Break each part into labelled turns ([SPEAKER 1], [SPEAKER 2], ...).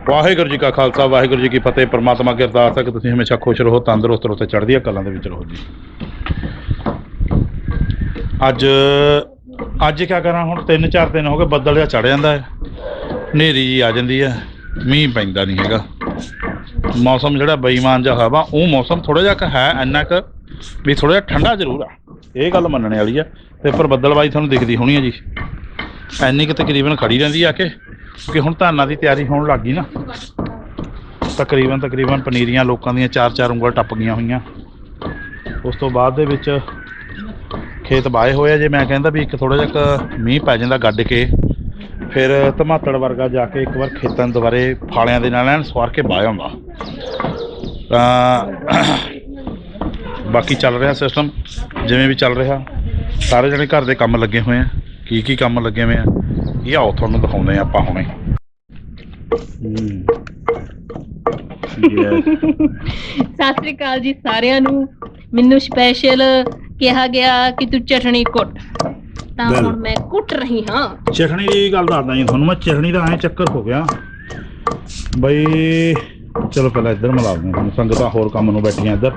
[SPEAKER 1] ਵਾਹਿਗੁਰੂ ਜੀ ਕਾ ਖਾਲਸਾ ਵਾਹਿਗੁਰੂ ਜੀ ਕੀ ਫਤਿਹ। परमात्मा की अरदास है कि तुसीं हमेशा खुश रहो, तंदुरुस्त रहो, चढ़दियां कलां दे विच रहो जी। अज क्या करा हुण 3-4 दिन हो गए, बदल जिहा चढ़ जांदा है, हनेरी जी आ जांदी है, मींह पैंदा नहीं हैगा। मौसम जिहड़ा बेईमान जिहा हवा वो मौसम थोड़ा जिहा है, इन्ना क भी थोड़ा जिहा ठंडा जरूर आ, ये गल मनने वाली है। ते पर बदलबाजी तुहानूं दिखदी होनी है जी, इन्नी क तकरीबन खड़ी रहिंदी आके कि हुण धानां दी तैयारी होण लग गई ना। तकरीबन पनीरियां लोकां दियां 4-4 ਉਂਗਲ टप गईयां होईयां। उस तो बाद दे विच खेत बाए होए जे, मैं कहंदा भी एक थोड़ा जिहा मींह पै जांदा गड्ड के, फिर धमातड़ वर्गा जाके एक बार खेतां दुबारे फालियां दे नाल एन सवार के बाया हुंदा। बाकी चल रहा सिस्टम जिवें भी चल रहा, सारे जने घर दे काम लगे हुए हैं। की काम लगे हुए हैं ये आओ तुहानूं दिखाउंदे आपां हुणे।
[SPEAKER 2] सत श्री अकाल जी सारिਆਂ ਨੂੰ। ਮੈਨੂੰ स्पैशल ਕਿਹਾ ਗਿਆ कि तू चटनी कुट, ਤਾਂ ਹੁਣ मैं कुट रही हाँ।
[SPEAKER 1] चटनी की गल दसदा जी तुहानूं मैं। चटनी का ऐ चक्कर हो गया बई, चलो पहले इधर मिला दें तुहानूं, संगतां होर काम नूं बैठियां इधर।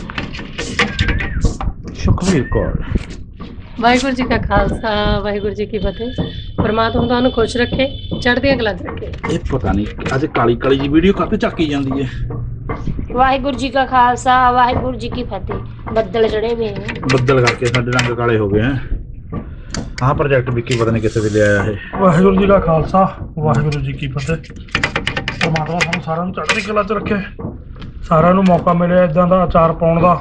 [SPEAKER 1] सुखवीर कौर।
[SPEAKER 2] वाहिगुरू जी का खालसा वाहिगुरू जी की फतेह। परमात्मा ਤੁਹਾਨੂੰ खुश रखे, चढ़दियां कलां च रखे।
[SPEAKER 1] ये पता नहीं अज काली काली जी वीडियो काते चक्की जाती है।
[SPEAKER 3] वाहिगुरू जी का खालसा वाहिगुरू जी की फतेह। बदल चढ़े हुए हैं,
[SPEAKER 1] बदल करके साडे रंग काले हो गए हैं। हाँ प्रोजेक्ट विक्की पता नहीं किसे वे लिया है।
[SPEAKER 4] वाहिगुरू जी का खालसा वाहिगुरू जी की फतेह। परमात्मा सानूं सारिਆਂ ਨੂੰ चढ़दी कला च रखे, सारिਆਂ ਨੂੰ मौका मिले इदां दा अचार पाउण दा।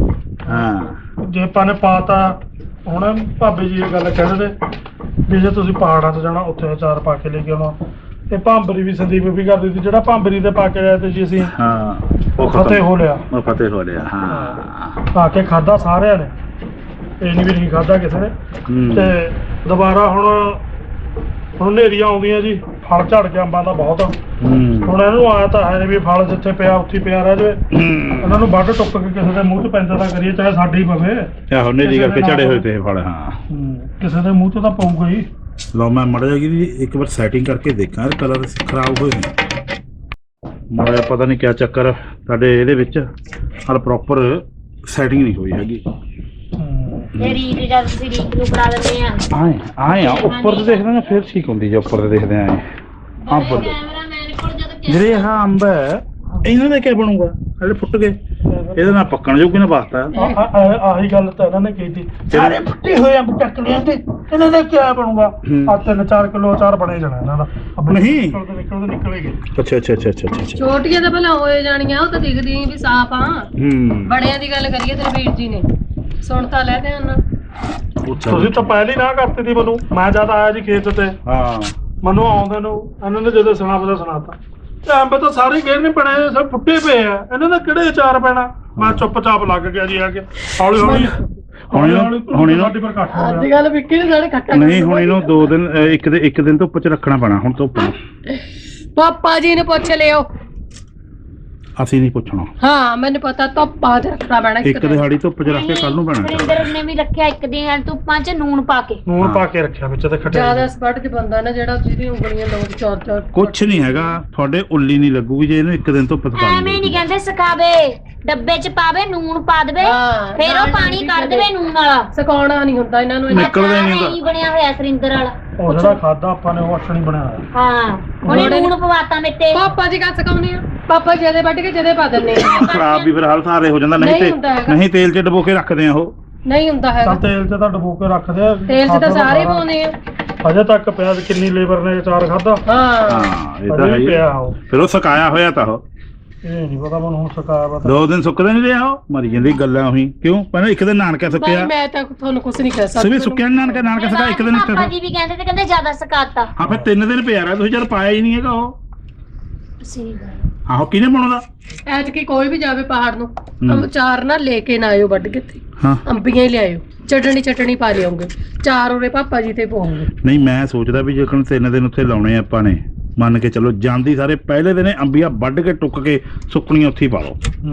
[SPEAKER 1] हाँ
[SPEAKER 4] जे ਆਪਾਂ ਨੇ ਪਾਤਾ ਹੁਣ ਭਾਬੀ ਜੀ ਇਹ ਗੱਲ ਕਹਿੰਦੇ ਨੇ ਵੀ ਜੇ ਤੁਸੀਂ ਪਹਾੜਾਂ 'ਚ ਜਾਣਾ ਉੱਥੇ ਅਚਾਰ ਪਾ ਕੇ ਲੈ ਕੇ ਆਉਣਾ। ਤੇ ਭਾਂਬਰੀ ਵੀ ਸੰਦੀਪ ਵੀ ਕਰਦੀ ਸੀ, ਜਿਹੜਾ ਭਾਂਬਰੀ ਤੇ ਪਾ ਕੇ ਲਿਆ ਤੇ ਜੀ ਅਸੀਂ
[SPEAKER 1] हाँ
[SPEAKER 4] ਫਤਿਹ ਹੋ ਲਿਆ।
[SPEAKER 1] वो फतेह हो लिया। हाँ
[SPEAKER 4] ਪਾ ਕੇ ਖਾਦਾ ਸਾਰਿਆਂ ਨੇ, ਇਹ ਨਹੀਂ ਵੀ ਨਹੀਂ ਖਾਦਾ ਕਿਸੇ ਨੇ। ਤੇ ਦੁਬਾਰਾ ਹੁਣ ਹਨੇਰੀਆਂ ਆਉਂਦੀਆਂ ਜੀ, ਫਲ ਝੜ ਗਿਆ ਅੰਬਾਂ ਦਾ ਬਹੁਤ। ਹੁਣ ਇਹਨੂੰ ਆਇਆ ਤਾਂ ਹੈ ਵੀ ਫਲ ਜਿੱਥੇ ਪਿਆ ਉੱਥੇ ਪਿਆ ਰਹਿ ਜਾਵੇ, ਇਹਨਾਂ ਨੂੰ ਵੱਢ ਟੁੱਕ ਕੇ ਕਿਸੇ ਦੇ ਮੂੰਹ 'ਚ ਪੈਂਦਾ ਤਾਂ ਕਰੀਏ, ਚਾਹੇ ਸਾਡੀ ਪਵੇ।
[SPEAKER 1] आहो नेरी करके चढ़े हुए थे फल। हाँ
[SPEAKER 4] ਕਿਸੇ ਦੇ ਮੂੰਹ 'ਚ ਤਾਂ ਪਊਗਾ ही।
[SPEAKER 1] लो मैं मड़ जाएगी एक बार सेटिंग करके देखा यार, कलर खराब हो माड़ा पता नहीं क्या चक्कर साडे इहदे विच हाल प्रॉपर सेटिंग नहीं हुई हैगी।
[SPEAKER 3] ये रीत जद तुसीं रीत नूं करा दिंदे आ
[SPEAKER 1] आए आए आ उपर ते देखदे ने फिर ठीक हुंदी जे, उपर ते देखदे आए अंब
[SPEAKER 3] कैमरामैन कोल जद
[SPEAKER 1] ਜਿਹੜੇ ਆਹ ਅੰਬ ਹੈ ਇਹਨਾਂ ਦਾ ਕੀ ਬਣੂਗਾ, ਜਿਹੜੇ ਫੁੱਟ ਗਏ ਇਹਦੇ ਨਾਲ ਪੱਕਣ ਜੋਗੇ ਨਾ ਵਾਸਤਾ।
[SPEAKER 4] ਆਹੀ ਗੱਲ ਤਾਂ ਇਹਨਾਂ ਨੇ ਕੀਤੀ, ਸਾਰੇ ਫੁੱਟੇ ਹੋਏ ਅੰਬ ਚੱਕ ਲਿਆ ਤੇ ਇਹਨਾਂ ਦਾ ਕੀ ਬਣੂਗਾ। ਆ 3-4 ਕਿਲੋ ਅਚਾਰ ਬਣੇ ਜਾਣਾ ਇਹਨਾਂ ਦਾ।
[SPEAKER 1] ਨਹੀਂ
[SPEAKER 4] ਨਿਕਲੇਗੇ।
[SPEAKER 1] ਅੱਛਾ
[SPEAKER 2] ਛੋਟੀਆਂ ਤਾਂ ਭਲਾ ਹੋਏ ਜਾਣੀਆਂ, ਉਹ ਤਾਂ ਦਿਖਦੀਆਂ ਵੀ ਸਾਫ ਆ। ਬੜਿਆਂ ਦੀ ਗੱਲ ਕਰੀਏ ਤੇ ਵੀਰ ਜੀ ਨੇ ਸੁਣ ਤਾਂ ਲੈ ਧਿਆਨ ਨਾਲ।
[SPEAKER 4] ਤੁਸੀਂ ਤਾਂ ਪਹਿਲੀ ਨਾ ਕਰਤੀ ਸੀ ਮੈਨੂੰ, ਮੈਂ ਜਦ ਆਇਆ ਜੀ ਖੇਤ ਤੇ।
[SPEAKER 1] ਹਾਂ
[SPEAKER 4] ਮੈਨੂੰ ਆਉਂਦੇ ਨੂੰ ਇਹਨਾਂ ਨੇ ਜਦੋਂ ਸੁਣਾਤਾ ਤੇ ਅੰਬ ਤਾਂ ਸਾਰੇ ਗੇਰ ਨਹੀਂ ਬਣੇ, ਸਭ ਫੁੱਟੇ ਪਏ ਆ, ਇਹਨਾਂ ਦਾ ਕਿਹੜੇ ਅਚਾਰ ਪੈਣਾ। ਮੈਂ ਚੁੱਪਚਾਪ ਲੱਗ ਗਿਆ ਜੀ ਆ ਕੇ। ਹੌਲੀ ਹੁਣ ਇਹਨੂੰ ਸਾਡੀ ਪਰ ਕੱਟ ਹੋ
[SPEAKER 2] ਅੱਜ ਕੱਲ ਵਿੱਕੀ ਨੇ ਸਾਡੇ ਖੱਟਾ
[SPEAKER 1] ਨਹੀਂ, ਹੁਣ ਇਹਨੂੰ 2 ਦਿਨ ਇੱਕ ਦਿਨ ਧੁੱਪ 'ਚ ਰੱਖਣਾ ਪੈਣਾ। ਹੁਣ ਧੁੱਪ
[SPEAKER 2] ਪਾਪਾ ਜੀ ਨੇ ਪੁੱਛ ਲਿਓ,
[SPEAKER 1] ਅਸੀਂ ਨਹੀਂ ਪੁੱਛਣਾ।
[SPEAKER 2] ਹਾਂ ਮੈਨੂੰ ਪਤਾ, ਧੁੱਪਾਂ 'ਚ ਰੱਖਣਾ ਪੈਣਾ।
[SPEAKER 1] ਇੱਕ ਦਿਹਾੜੀ ਧੁੱਪ 'ਚ ਰੱਖ ਕੇ ਕੱਲ ਨੂੰ ਪੈਣਾ।
[SPEAKER 3] ਵਰਿੰਦਰ ਨੇ ਵੀ ਰੱਖਿਆ ਇੱਕ ਦਿਨ ਧੁੱਪਾਂ 'ਚ ਨੂਣ ਪਾ ਕੇ
[SPEAKER 4] ਰੱਖਿਆ ਵਿੱਚ ਤੇ ਖੱਟੇ।
[SPEAKER 2] ਜਿਆਦਾ ਸਪੱਟ 'ਚ ਬੰਦਾ ਨਾ ਜਿਹੜਾ ਜਿਹਦੀ ਉਂਗਲੀਆਂ ਲੋਕ ਚਾਰ
[SPEAKER 1] ਕੁਛ ਨਹੀਂ ਹੈਗਾ, ਤੁਹਾਡੇ ਉੱਲੀ ਨਹੀਂ ਲੱਗੂਗੀ ਜੇ ਇਹਨੂੰ ਇੱਕ ਦਿਨ ਧੁੱਪ ਦਿਖਾ
[SPEAKER 3] ਐਵੇਂ ਨਹੀਂ ਕਹਿੰਦੇ ਸੁਕਾਵੇ, ਡੱਬੇ 'ਚ ਪਾਵੇ, ਨੂਣ ਪਾ ਦੇਵੇ, ਫਿਰ ਉਹ ਪਾਣੀ ਕੱਢ ਦੇਵੇ ਨੂਣ ਵਾਲਾ।
[SPEAKER 2] ਸੁਕਾਉਣਾ ਨਹੀਂ ਹੁੰਦਾ ਇਹਨਾਂ ਨੂੰ,
[SPEAKER 1] ਨਿਕਲਦਾ ਨਹੀਂ
[SPEAKER 3] ਨਹੀਂ ਬਣਿਆ ਹੋਇਆ ਸਰਿੰਦਰ ਵਾਲਾ।
[SPEAKER 4] ਉਹ ਜਿਹੜਾ ਖਾਦਾ ਆਪਾਂ ਨੇ ਉਹ ਅਸਣੀ ਬਣਾਇਆ ਹੋਇਆ।
[SPEAKER 3] ਹਾਂ ਉਹਨੇ ਨੂਣ ਪਵਾਤਾ ਮੇਤੇ।
[SPEAKER 2] ਪਾਪਾ ਜੀ ਕਾ ਸੁਕਾਉਣੇ ਆ, ਪਾਪਾ ਜਿਹਦੇ ਵੱਢ ਕੇ ਜਿਹਦੇ ਪਾ ਦਿੰਦੇ ਆ।
[SPEAKER 1] ਖਰਾਬ ਵੀ ਫਿਰ ਹਾਲ ਸਾਰੇ ਹੋ ਜਾਂਦਾ। ਨਹੀਂ ਤੇਲ 'ਚ ਡਬੋ ਕੇ ਰੱਖਦੇ ਆ ਉਹ।
[SPEAKER 2] ਨਹੀਂ ਹੁੰਦਾ ਹੈਗਾ,
[SPEAKER 4] ਤੇਲ 'ਚ ਤਾਂ ਡਬੋ ਕੇ ਰੱਖਦੇ ਆ।
[SPEAKER 2] ਤੇਲ 'ਚ ਤਾਂ ਸਾਰੇ ਪਾਉਂਦੇ ਆ।
[SPEAKER 4] ਅਜੇ ਤੱਕ ਪਿਆ ਕਿੰਨੀ ਲੇਬਰ ਨੇ ਅਚਾਰ ਖਾਦਾ।
[SPEAKER 2] ਹਾਂ
[SPEAKER 1] ਇਹ ਤਾਂ ਹੈ
[SPEAKER 4] ਪਿਆ ਉਹ,
[SPEAKER 1] ਫਿਰ ਉਹ ਸੁਕਾਇਆ ਹੋਇਆ ਤਾਂ ਉਹ।
[SPEAKER 4] ਇਹ ਨਹੀਂ ਪਤਾ ਮੈਨੂੰ ਹੁਣ ਸੁਕਾਇਆ ਪਤਾ।
[SPEAKER 1] 2 ਦਿਨ ਸੁੱਕਦੇ ਨਹੀਂ ਰਿਹਾ ਉਹ, ਮਰੀ ਜਾਂਦੀ ਗੱਲਾਂ ਉਹੀ। ਕਿਉਂ ਪਹਿਲਾਂ ਇੱਕ ਦਿਨ ਨਾਨਕਾ ਸੁੱਕਿਆ।
[SPEAKER 2] ਮੈਂ ਤਾਂ ਤੁਹਾਨੂੰ ਕੁਝ ਨਹੀਂ ਕਹਿ ਸਕਦਾ।
[SPEAKER 1] ਸਵੇ ਸੁੱਕਿਆ ਨਾਨਕਾ ਸੁੱਕਾ ਇੱਕ ਦਿਨ।
[SPEAKER 3] ਪਾਪਾ ਜੀ ਵੀ ਕਹਿੰਦੇ ਤੇ ਕਹਿੰਦੇ ਜ਼ਿਆਦਾ ਸੁਕਾਤਾ।
[SPEAKER 1] ਹਾਂ ਫਿਰ 3 ਦਿਨ ਪਿਆ ਰਿਹਾ, ਤੁਸੀਂ ਜਦ ਪਾਇਆ ਹੀ ਨਹੀਂ ਹੈਗਾ ਉਹ।
[SPEAKER 3] ਸਹੀ ਗੱਲ।
[SPEAKER 1] ਆਹੋ ਕਿਹਨੇ ਬਣਾਉਂਦਾ
[SPEAKER 2] ਐਤਕੀ ਕੋਈ ਵੀ ਜਾਵੇ ਪਹਾੜ ਨੂੰ, ਅਚਾਰ ਨਾ ਲੈ ਕੇ ਨਾ ਆਇਓ ਵੱਢ ਕੇ।
[SPEAKER 1] ਹਾਂ
[SPEAKER 2] ਅੰਬੀਆਂ ਹੀ ਲਿਆਇਓ, ਚਟਣੀ ਪਾ ਲਿਆਉਂਗੇ, ਚਾਰ ਉਹਦੇ ਪਾਪਾ ਜੀ ਤੇ ਪਾਉਂਗੇ।
[SPEAKER 1] ਨਹੀਂ ਮੈਂ ਸੋਚਦਾ ਵੀ ਜੇਕਰ 3 ਦਿਨ ਉੱਥੇ ਲਾਉਣੇ ਆਪਾਂ ਨੇ, ਮੰਨ ਕੇ ਚਲੋ ਜਾਂਦੀ ਸਾਰੇ ਪਹਿਲੇ ਦਿਨ ਅੰਬੀਆਂ ਵੱਢ ਕੇ ਟੁੱਕ ਕੇ ਸੁੱਕਣੀਆਂ ਉੱਥੇ ਹੀ ਪਾ ਲਓ।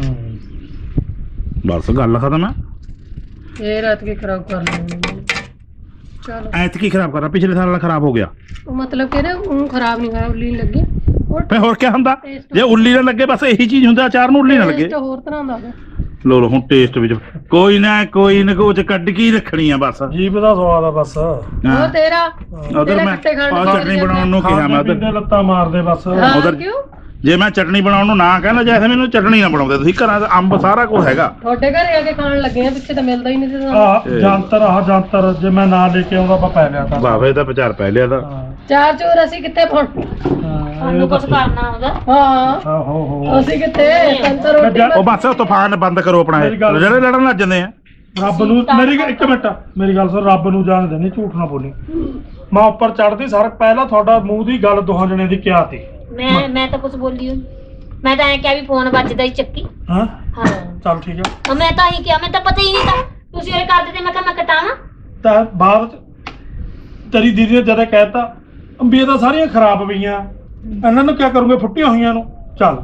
[SPEAKER 1] ਬਸ ਗੱਲ ਖਤਮ ਹੈ।
[SPEAKER 2] ਇਹ ਰਾਤ ਕੀ ਖਰਾਬ ਕਰ ਲੈਣੀ। ਚਲੋ
[SPEAKER 1] ਐਤਕੀ ਖਰਾਬ ਕਰਨਾ, ਪਿਛਲੇ ਸਾਲ ਵਾਲਾ ਖਰਾਬ ਹੋ ਗਿਆ।
[SPEAKER 2] ਉਹ ਮਤਲਬ ਕਿ ਨਾ ਉਹ ਖਰਾਬ ਨਹੀਂ ਹੋਇਆ, ਉੱਲੀ ਨਹੀਂ ਲੱਗੀ।
[SPEAKER 1] ਫੇ ਹੋਰ ਕੀ ਹੁੰਦਾ ਜੇ ਉੱਲੀ ਨਾ ਲੱਗੇ ਬਸ ਇਹੀ ਚੀਜ਼ ਹੁੰਦਾ ਅਚਾਰ ਨੂੰ ਉੱਲੀ ਨਾ ਲੱਗੇ
[SPEAKER 2] ਟੇਸਟ ਹੋਰ ਤਰ੍ਹਾਂ ਦਾ
[SPEAKER 1] ਲੋ ਹੁਣ ਟੇਸਟ ਵਿੱਚ ਕੋਈ ਨਾ ਕੁਝ ਕੱਢ ਕੇ ਹੀ ਰੱਖਣੀ ਆ ਬਸ
[SPEAKER 4] ਜੀਭ ਦਾ ਸਵਾਦ ਆ ਬਸ
[SPEAKER 2] ਉਹ ਤੇਰਾ
[SPEAKER 1] ਉਧਰ ਮੈਂ ਆਹ ਚਟਨੀ ਬਣਾਉਣ ਨੂੰ ਕਿਹਾ ਮੈਂ
[SPEAKER 4] ਖਾਂਦੇ ਲੱਤਾਂ ਮਾਰਦੇ ਬਸ
[SPEAKER 1] ਉਧਰ
[SPEAKER 2] ਕਿਉਂ
[SPEAKER 1] ਜੇ ਮੈਂ ਚਟਨੀ ਬਣਾਉਣ ਨੂੰ ਨਾ ਕਹਿੰਦਾ ਜੈਸੇ ਮੈਨੂੰ ਚਟਨੀ ਨਾ ਬਣਾਉਂਦੇ ਤੁਸੀਂ ਘਰਾਂ ਦਾ ਅੰਬ ਸਾਰਾ ਕੁਝ ਹੈਗਾ
[SPEAKER 2] ਤੁਹਾਡੇ ਘਰੇ ਆ ਕੇ ਖਾਣ ਲੱਗੇ ਆ ਪਿੱਛੇ ਤਾਂ ਮਿਲਦਾ ਹੀ ਨਹੀਂ ਸੀ ਸਾਨੂੰ
[SPEAKER 4] ਆਹ ਜੰਤਰ ਜੇ ਮੈਂ ਨਾ ਲੈ ਕੇ ਆਉਂਦਾ ਆਪਾਂ ਪੈ ਲਿਆ ਤਾਂ
[SPEAKER 1] ਬਾਵੇ ਦਾ ਵਿਚਾਰ ਪੈ ਲਿਆ ਤਾਂ
[SPEAKER 2] ਚਾਰ ਚੋਰ ਅਸੀਂ ਕਿੱਥੇ ਫੜ
[SPEAKER 3] ਸਾਨੂੰ ਕੁਝ ਕਰਨਾ ਹੁੰਦਾ
[SPEAKER 2] ਹਾਂ
[SPEAKER 4] ਹੋ
[SPEAKER 2] ਅਸੀਂ ਕਿੱਥੇ ਸੰਤਰ ਰੋਟੀ
[SPEAKER 1] ਉਹ ਬਸ ਤੂਫਾਨ ਬੰਦ ਕਰੋ ਆਪਣਾ ਇਹ ਜਿਹੜੇ ਲੜਨ ਲੱਗ ਜਾਂਦੇ ਆ
[SPEAKER 4] ਰੱਬ ਨੂੰ ਇੱਕ ਮਿੰਟ ਮੇਰੀ ਗੱਲ ਸੁਣ ਰੱਬ ਨੂੰ ਜਾਣਦੇ ਨਹੀਂ ਝੂਠ ਨਾ ਬੋਲੀ ਮੈਂ ਉੱਪਰ ਚੜਦੀ ਸਰ ਪਹਿਲਾਂ ਤੁਹਾਡਾ ਮੂੰਹ ਦੀ ਗੱਲ ਦੋਹਾਂ ਜਣੇ ਦੀ ਕਿਹਾ ਤੀ
[SPEAKER 3] ਮੈਂ ਤਾਂ ਕੁਝ ਬੋਲੀ ਹੋਈ ਮੈਂ ਤਾਂ ਐ ਕਿਹਾ ਵੀ ਫੋਨ ਵੱਜਦਾ ਹੀ ਚੱਕੀ
[SPEAKER 4] ਹਾਂ
[SPEAKER 3] ਹਾਂ
[SPEAKER 4] ਚੱਲ ਠੀਕ ਆ
[SPEAKER 3] ਮੈਂ ਤਾਂ ਹੀ ਕਿਹਾ ਮੈਂ ਤਾਂ ਪਤਾ ਹੀ ਨਹੀਂ ਤਾਂ ਤੁਸੀਂ ਇਹ ਕਰਦੇ ਤੇ ਮੈਂ ਕਿਹਾ ਮੈਂ ਕਟਾਵਾਂ
[SPEAKER 4] ਤਾਂ ਬਾਅਦ ਚ ਤੇਰੀ ਦੀਦੀ ਨੇ ਜਦੋਂ ਕਹਿਤਾ ਅੰਬੀਆਂ ਤਾਂ ਸਾਰੀਆਂ ਖਰਾਬ ਪਈਆਂ ਇਹਨਾਂ ਨੂੰ ਕੀ ਕਰੂੰਗੇ ਫੁੱਟੀਆਂ ਹੋਈਆਂ ਨੂੰ ਚੱਲ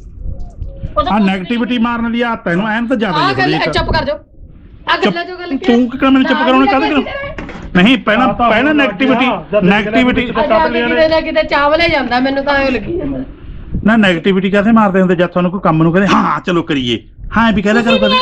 [SPEAKER 1] ਆ ਨੈਗੇਟਿਵਿਟੀ ਮਾਰਨ ਦੀ ਆਦਤ ਇਹਨੂੰ ਐਨ ਤਾਂ ਜ਼ਿਆਦਾ ਹੀ
[SPEAKER 2] ਗੱਲ
[SPEAKER 1] ਹੈ
[SPEAKER 2] ਚੁੱਪ ਕਰ ਜਾਓ ਆ ਗੱਲਾਂ ਜੋ ਗੱਲ
[SPEAKER 1] ਤੂੰ ਕਿ ਮੈਨੂੰ ਚੁੱਪ ਕਰਾਉਣੇ ਕਾਹਦੇ ਕਰ ਨਹੀਂ ਪਹਿਲਾਂ ਨੈਗੇਟਿਵਿਟੀ
[SPEAKER 2] ਕਿਤੇ ਚਾਵਲੇ ਜਾਂਦਾ ਮੈਨੂੰ ਤਾਂ ਐ ਲੱਗੀ ਜਾਂਦਾ
[SPEAKER 1] ਨਾ ਨੈਗੇਟਿਵਿਟੀ ਕਾਹਦੇ ਮਾਰਦੇ ਹੁੰਦੇ ਜਦ ਤੁਹਾਨੂੰ ਕੋਈ ਕੰਮ ਨੂੰ ਕਹਿੰਦੇ ਹਾਂ ਚਲੋ ਕਰੀਏ ਹਾਂ ਵੀ ਕਹਿ ਲਿਆ ਕਰੋ ਕਦੇ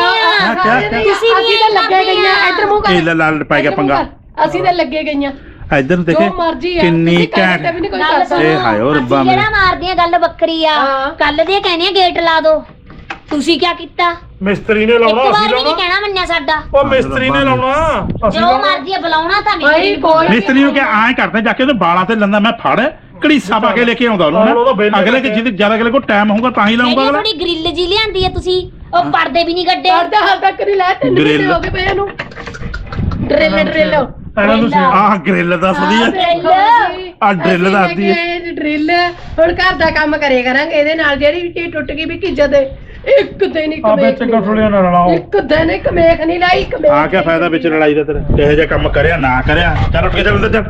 [SPEAKER 3] ਤੁਸੀਂ
[SPEAKER 2] ਅਸੀਂ ਤਾਂ ਲੱਗੇ ਗਈਆਂ ਇੱਧਰ ਮੂੰਹ ਕਰ
[SPEAKER 1] ਇਹ ਲਾਲ ਪੈ ਗਿਆ ਪੰਗਾ
[SPEAKER 2] ਅਸੀਂ ਤਾਂ ਲੱਗੇ ਗਈਆਂ
[SPEAKER 1] ਇੱਧਰ ਦੇਖੇ ਕਿੰਨੀ ਘੈਂਟ ਇਹ ਹਾਏ ਓ ਰੱਬਾ
[SPEAKER 3] ਜਿਹੜਾ ਮਾਰਦੀਆਂ ਗੱਲ ਵੱਖਰੀ ਆ ਕੱਲ ਦੇ ਕਹਿੰਦੇ ਆ ਗੇਟ ਲਾ ਦੋ ਤੁਸੀਂ ਕੀ ਕੀਤਾ
[SPEAKER 4] ਮਿਸਤਰੀ ਨੇ
[SPEAKER 3] ਇੱਕ
[SPEAKER 4] ਲਾਉਣਾ
[SPEAKER 3] ਵਾਰ
[SPEAKER 4] ਅਸੀਂ
[SPEAKER 3] ਵੀ ਨਹੀਂ
[SPEAKER 4] ਲਾਉਣਾ
[SPEAKER 3] ਕਹਿਣਾ ਮੰਨਿਆ ਸਾਡਾ
[SPEAKER 4] ਉਹ ਮਿਸਤਰੀ ਨੇ ਲਾਉਣਾ ਅਸੀਂ
[SPEAKER 3] ਜੋ ਮਰਜ਼ੀ ਆ ਬੁਲਾਉਣਾ ਤਾਂ
[SPEAKER 2] ਭਾਈ ਕੋਈ
[SPEAKER 1] ਮਿਸਤਰੀ ਨੂੰ ਕਿ ਐਂ ਕਰਦੇ ਜਾ ਕੇ ਉਹਦੇ ਬਾਲਾਂ ਤੇ ਲੰਦਾ ਮੈਂ ਫੜ ਘੜੀਸਾ ਪਾ ਕੇ ਲੈ ਕੇ ਆਉਂਦਾ ਉਹਨੂੰ ਅਗਲੇ ਕਿ ਜਿਹਦੇ ਜਿਆਦਾ ਅਗਲੇ ਕੋਲ ਟਾਈਮ ਹੋਊਗਾ ਤਾਂ ਹੀ ਲਾਉਂਗਾ ਅਗਲਾ
[SPEAKER 3] ਥੋੜੀ ਗ੍ਰਿਲ ਜੀ ਲਿਆਂਦੀ ਆ ਤੁਸੀਂ ਉਹ ਪਰਦੇ ਵੀ ਨਹੀਂ ਗੱਡੇ
[SPEAKER 2] ਕਰਦਾ ਹਾਲ ਤੱਕ ਨਹੀਂ ਲੈ 3 ਮਹੀਨੇ ਹੋ ਗਏ ਪਏ ਇਹਨੂੰ ਡਰਿਲ
[SPEAKER 4] ਇਹਨਾਂ ਨੂੰ
[SPEAKER 1] ਆਹ ਗ੍ਰਿਲ ਦੱਸਦੀ ਹੈ ਆਹ ਡਰਿਲ ਦੱਸਦੀ ਹੈ
[SPEAKER 2] ਡਰਿਲ ਹੁਣ ਘਰ ਦਾ ਕੰਮ ਕਰੇ ਕਰਾਂਗੇ ਇਹਦੇ ਨਾਲ ਜਿਹੜੀ ਵੀ ਚੀਜ਼ ਟੁੱਟ ਗਈ ਵੀ ਕੀ ਜਦੇ ਇੱਕ ਦਿਨ ਇੱਕ
[SPEAKER 4] ਆ ਵਿੱਚ ਕਠੋਲੀਆਂ ਨਾਲ ਰਲਾਓ
[SPEAKER 2] ਇੱਕ ਦਿਨ ਇੱਕ ਮੇਖ ਨਹੀਂ ਲਾਈ ਇੱਕ
[SPEAKER 1] ਆ ਕੀ ਫਾਇਦਾ ਵਿੱਚ ਲੜਾਈ ਦਾ ਤੇਰਾ ਕਿਹੋ ਜਿਹਾ ਕੰਮ ਕਰਿਆ ਨਾ ਕਰਿਆ ਚੱਲ ਉੱਠ ਕੇ ਚੱਲ ਅੰਦਰ ਚੱਲ